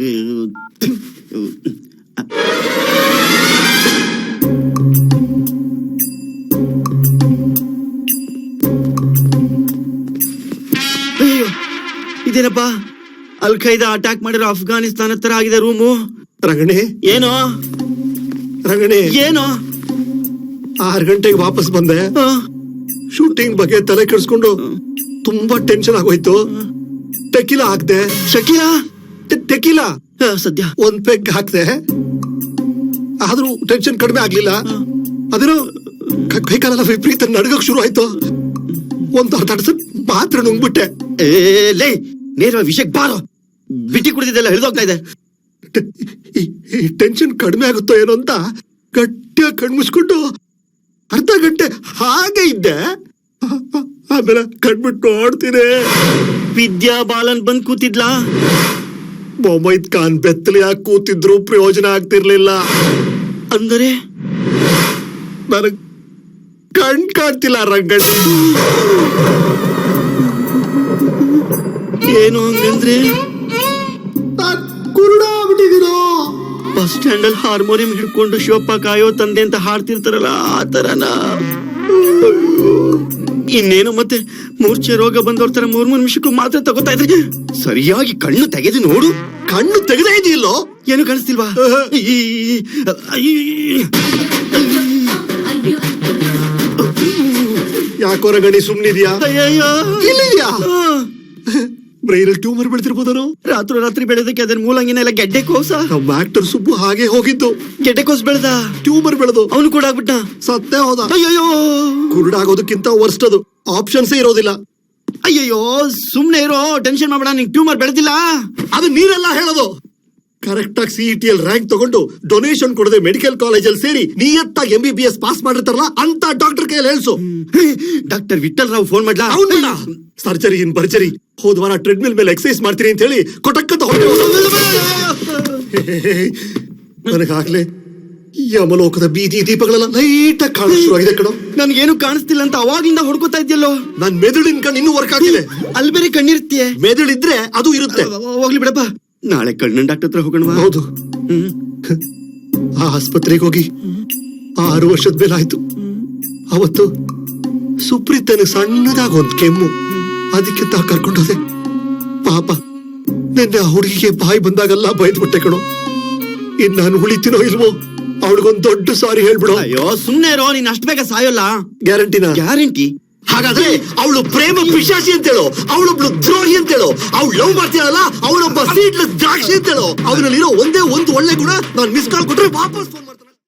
ಇದೇನಪ್ಪ, ಅಲ್ ಖೈದಾ ಅಟ್ಯಾಕ್ ಮಾಡಿರೋ ಅಫ್ಘಾನಿಸ್ತಾನ ತರ ಆಗಿದೆ ರೂಮು.
ರಂಗಣಿ
ಏನೋ
ರಂಗಣಿ,
ಏನೋ
6 ಗಂಟೆಗೆ ವಾಪಸ್ ಬಂದೆ. ಶೂಟಿಂಗ್ ಬಗ್ಗೆ ತಲೆ ಕೆಡಿಸ್ಕೊಂಡು ತುಂಬಾ ಟೆನ್ಷನ್ ಆಗೋಯ್ತು. ಟೆಕಿಲಾ ಹಾಕ್ದೆ.
ಶಕೀಲಾ
ಟೆಕಿಲಾ
ಸದ್ಯ
1 ಪೆಗ್ ಹಾಕ್ದೆ. ಆದ್ರೂ ಟೆನ್ಷನ್ ಕಡಿಮೆ ಆಗ್ಲಿಲ್ಲ. ಅದೇನೋ ಕೈಕಾಲೆಲ್ಲ ವಿಪರೀತ ನಡ್ಗಕ್ ಶುರು ಆಯ್ತು. 1 ಅರ್ಧ ಮಾತ್ರ ನುಂಗ್ಬಿಟ್ಟೆ.
ಲೇ, ನೇರ ವಿಷಯಕ್ಕೆ ಬಾರೋ. ಬಿಟ್ಟಿ ಕುಡಿದಿದ್ದೆಲ್ಲ ಹಿಡಿದೋಗ್ತಾ ಇದೆ.
ಈ ಟೆನ್ಷನ್ ಕಡಿಮೆ ಆಗುತ್ತೋ ಏನೋ ಅಂತ ಗಟ್ಟಿಯಾಗಿ ಕಣ್ಮುಚ್ಕೊಂಡು ಅರ್ಧ ಗಂಟೆ ಹಾಗೆ ಇದ್ದೆ. ಆಮೇಲೆ ಕಣ್ಬಿಟ್ಟು ನೋಡ್ತೀನಿ,
ವಿದ್ಯಾ ಬಾಲನ್ ಬಂದ್ ಕೂತಿದ್ಲಾ.
ಮೊಹಮ್ಮದ್ ಖಾನ್ ಬೆತ್ತಲೆಯಾಗಿ ಕೂತಿದ್ರು ಪ್ರಯೋಜನ ಆಗ್ತಿರ್ಲಿಲ್ಲ.
ಅಂದರೆ
ನನಗ್ ಕಣ್ ಕಾಣ್ತಿಲ್ಲ ರಂಗಣ್ಣ.
ಏನು ಹಂಗಂದ್ರೆ
ಕುರುಡ ಆಗ್ಬಿಟ್ಟಿದೀನೋ.
ಬಸ್ ಸ್ಟ್ಯಾಂಡ್ ಅಲ್ಲಿ ಹಾರ್ಮೋನಿಯಂ ಹಿಡ್ಕೊಂಡು ಶಿವಪ್ಪ ಕಾಯೋ ತಂದೆ ಅಂತ ಹಾಡ್ತಿರ್ತಾರಲ್ಲ, ಆ ತರನ. ಇನ್ನೇನು ಮತ್ತೆ ಮೂರ್ಛೆ ರೋಗ ಬಂದವ್ರ ತರ 3 ನಿಮಿಷಕ್ಕೂ ಮಾತ್ರ ತಗೋತಾ ಇದ್ರೆ. ಸರಿಯಾಗಿ ಕಣ್ಣು ತೆಗೆದು ನೋಡು.
ಕಣ್ಣು ತೆಗೆದೇ ಇದೆಯಲ್ಲೋ.
ಏನು ಕಾಣಿಸ್ತಿಲ್ವಾ?
ಯಾಕೋ ರಂಗಣಿ ಸುಮ್ನಿದ್ಯಾ? ಇಲ್ಲಿದ್ಯಾ? Brain tumour ಬೆಳೆದಿರ್ಬೋದನೋ.
ರಾತ್ರಿ ಬೆಳೆದಕ್ಕೆ ಅದರ ಮೂಲಂಗಿನ ಎಲ್ಲ ಗೆಡ್ಡೆ ಕೋಸ.
ನಮ್ಮ ಆಕ್ಟರ್ ಸುಬ್ಬು ಹಾಗೆ ಹೋಗಿದ್ದು.
ಗೆಡ್ಡೆ ಕೋಸ್ ಬೆಳೆದ,
ಟ್ಯೂಮರ್ ಬೆಳೆದು
ಅವನು ಕೂಡ ಆಗ್ಬಿಟ್ಟ.
ಸತ್ತೇ ಹೋದ.
ಅಯ್ಯೋ,
ಕುರುಡಾಗೋದಕ್ಕಿಂತ ವರ್ಸ್ಟ್ ಅದು. ಆಪ್ಷನ್ಸೇ ಇರೋದಿಲ್ಲ.
ಅಯ್ಯಯ್ಯೋ, ಸುಮ್ನೆ ಇರೋ, ಟೆನ್ಷನ್ ಮಾಡ್ಬೇಡ. ನಿಂಗೆ ಟ್ಯೂಮರ್ ಬೆಳೆದಿಲ್ಲ.
ಅದು ನೀರೆಲ್ಲ ಹೇಳೋದು. ಕರೆಕ್ಟ್ ಆಗಿ CET ರೈಂಕ್ ತಗೊಂಡು ಡೊನೇಷನ್ ಕೊಡದೆ ಮೆಡಿಕಲ್ ಕಾಲೇಜಲ್ಲಿ ಸೇರಿ ನಿಯತ್ತಾಗಿ MBBS ಪಾಸ್ ಮಾಡಿರ್ತಾರಲ್ಲ ಅಂತ ಡಾಕ್ಟರ್ ಕೈಯಲ್ಲಿ ಹೇಳ್ಸು.
ಡಾಕ್ಟರ್ ವಿಠಲ್ ರಾವ್ ಫೋನ್ ಮಾಡ್ಲಾ?
ಸರ್ಜರಿ ಇನ್ ಬರ್ಜರಿ. ಹೋದ್ವಾರ ಟ್ರೆಡ್ಮಿಲ್ ಮೇಲೆ ಎಕ್ಸರ್ಸೈಸ್ ಮಾಡ್ತೀನಿ ಅಂತ ಹೇಳಿ ಕೊಟಕ್ಕಂತ ನನಗಾಗ್ಲೇ ಯಮಲೋಕದ ಬೀದಿ ದೀಪಗಳೆಲ್ಲ ಲೈಟ್ ಆಗಿ ಕಾಣ ಶುರುವಾಗಿದೆ ಕಣೋ.
ನನ್ಗೇನು ಕಾಣಿಸ್ತಿಲ್ಲ ಅಂತ ಅವಾಗಿಂದ ಹುಡ್ಕೋತಾ ಇದ್ಯಲ್ಲೋ.
ನನ್ ಮೆದುಳಿನ ಕಣ್ಣು ಇನ್ನೂ ವರ್ಕ್ ಆಗ್ತಿದೆ.
ಅಲ್ಲಿ ಬೇರೆ ಕಣ್ಣಿರ್ತೀಯ.
ಮೆದುಳಿದ್ರೆ ಅದು ಇರುತ್ತೆ.
ಹೋಗ್ಲಿ ಬಿಡಪ್ಪ, ನಾಳೆ ಕಣ್ಣನ್ ಡಾಕ್ಟರ್ ಹತ್ರ ಹೋಗೋಣ.
ಹೌದು, ಆ ಆಸ್ಪತ್ರೆಗೆ ಹೋಗಿ 6 ವರ್ಷದ ಮೇಲೆ ಆಯ್ತು. ಅವತ್ತು ಸುಪ್ರೀತನಿಗೆ ಸಣ್ಣದಾಗ 1 ಕೆಮ್ಮು. ಅದಕ್ಕೆ ಕರ್ಕೊಂಡೋದೆ. ಪಾಪ ನಿನ್ನೆ ಆ ಹುಡುಗಿಗೆ ಬಾಯಿ ಬಂದಾಗೆಲ್ಲ ಬೈದ್ಬಿಟ್ಟೆ ಕಣೋ. ಇನ್ ನಾನು ಉಳಿತೀನೋ ಇಲ್ವೋ ಅವಳಿಗೊಂದ್ ದೊಡ್ಡ ಸಾರಿ ಹೇಳ್ಬಿಡು.
ಅಯ್ಯೋ ಸುಮ್ನೆ ಇರೋ, ನೀನ್ ಅಷ್ಟ್ ಬೇಗ ಸಾಯೋಲ್ಲ.
ಗ್ಯಾರಂಟಿನಾ?
ಗ್ಯಾರಂಟಿ.
ಹಾಗಾದ್ರೆ ಅವಳು ಪ್ರೇಮ ಪಿಶಾಚಿ ಅಂತೇಳು, ಅವಳೊಬ್ಳು ದ್ರೋಹಿ ಅಂತೇಳು, ಅವಳು ಲವ್ ಮಾಡ್ತೀಯಲ್ಲ ಅವಳೊಬ್ಬ ಸೀಟ್ಲೆಸ್ ದ್ರಾಕ್ಷಿ ಅಂತೇಳು. ಅವನಲ್ಲಿರೋ ಒಂದೇ ಒಂದು ಒಳ್ಳೆ ಗುಣ, ನಾನು ಮಿಸ್ ಕಾಲ್ ಕೊಟ್ರೆ ವಾಪಸ್ ಫೋನ್ ಮಾಡ್ತಾನೆ.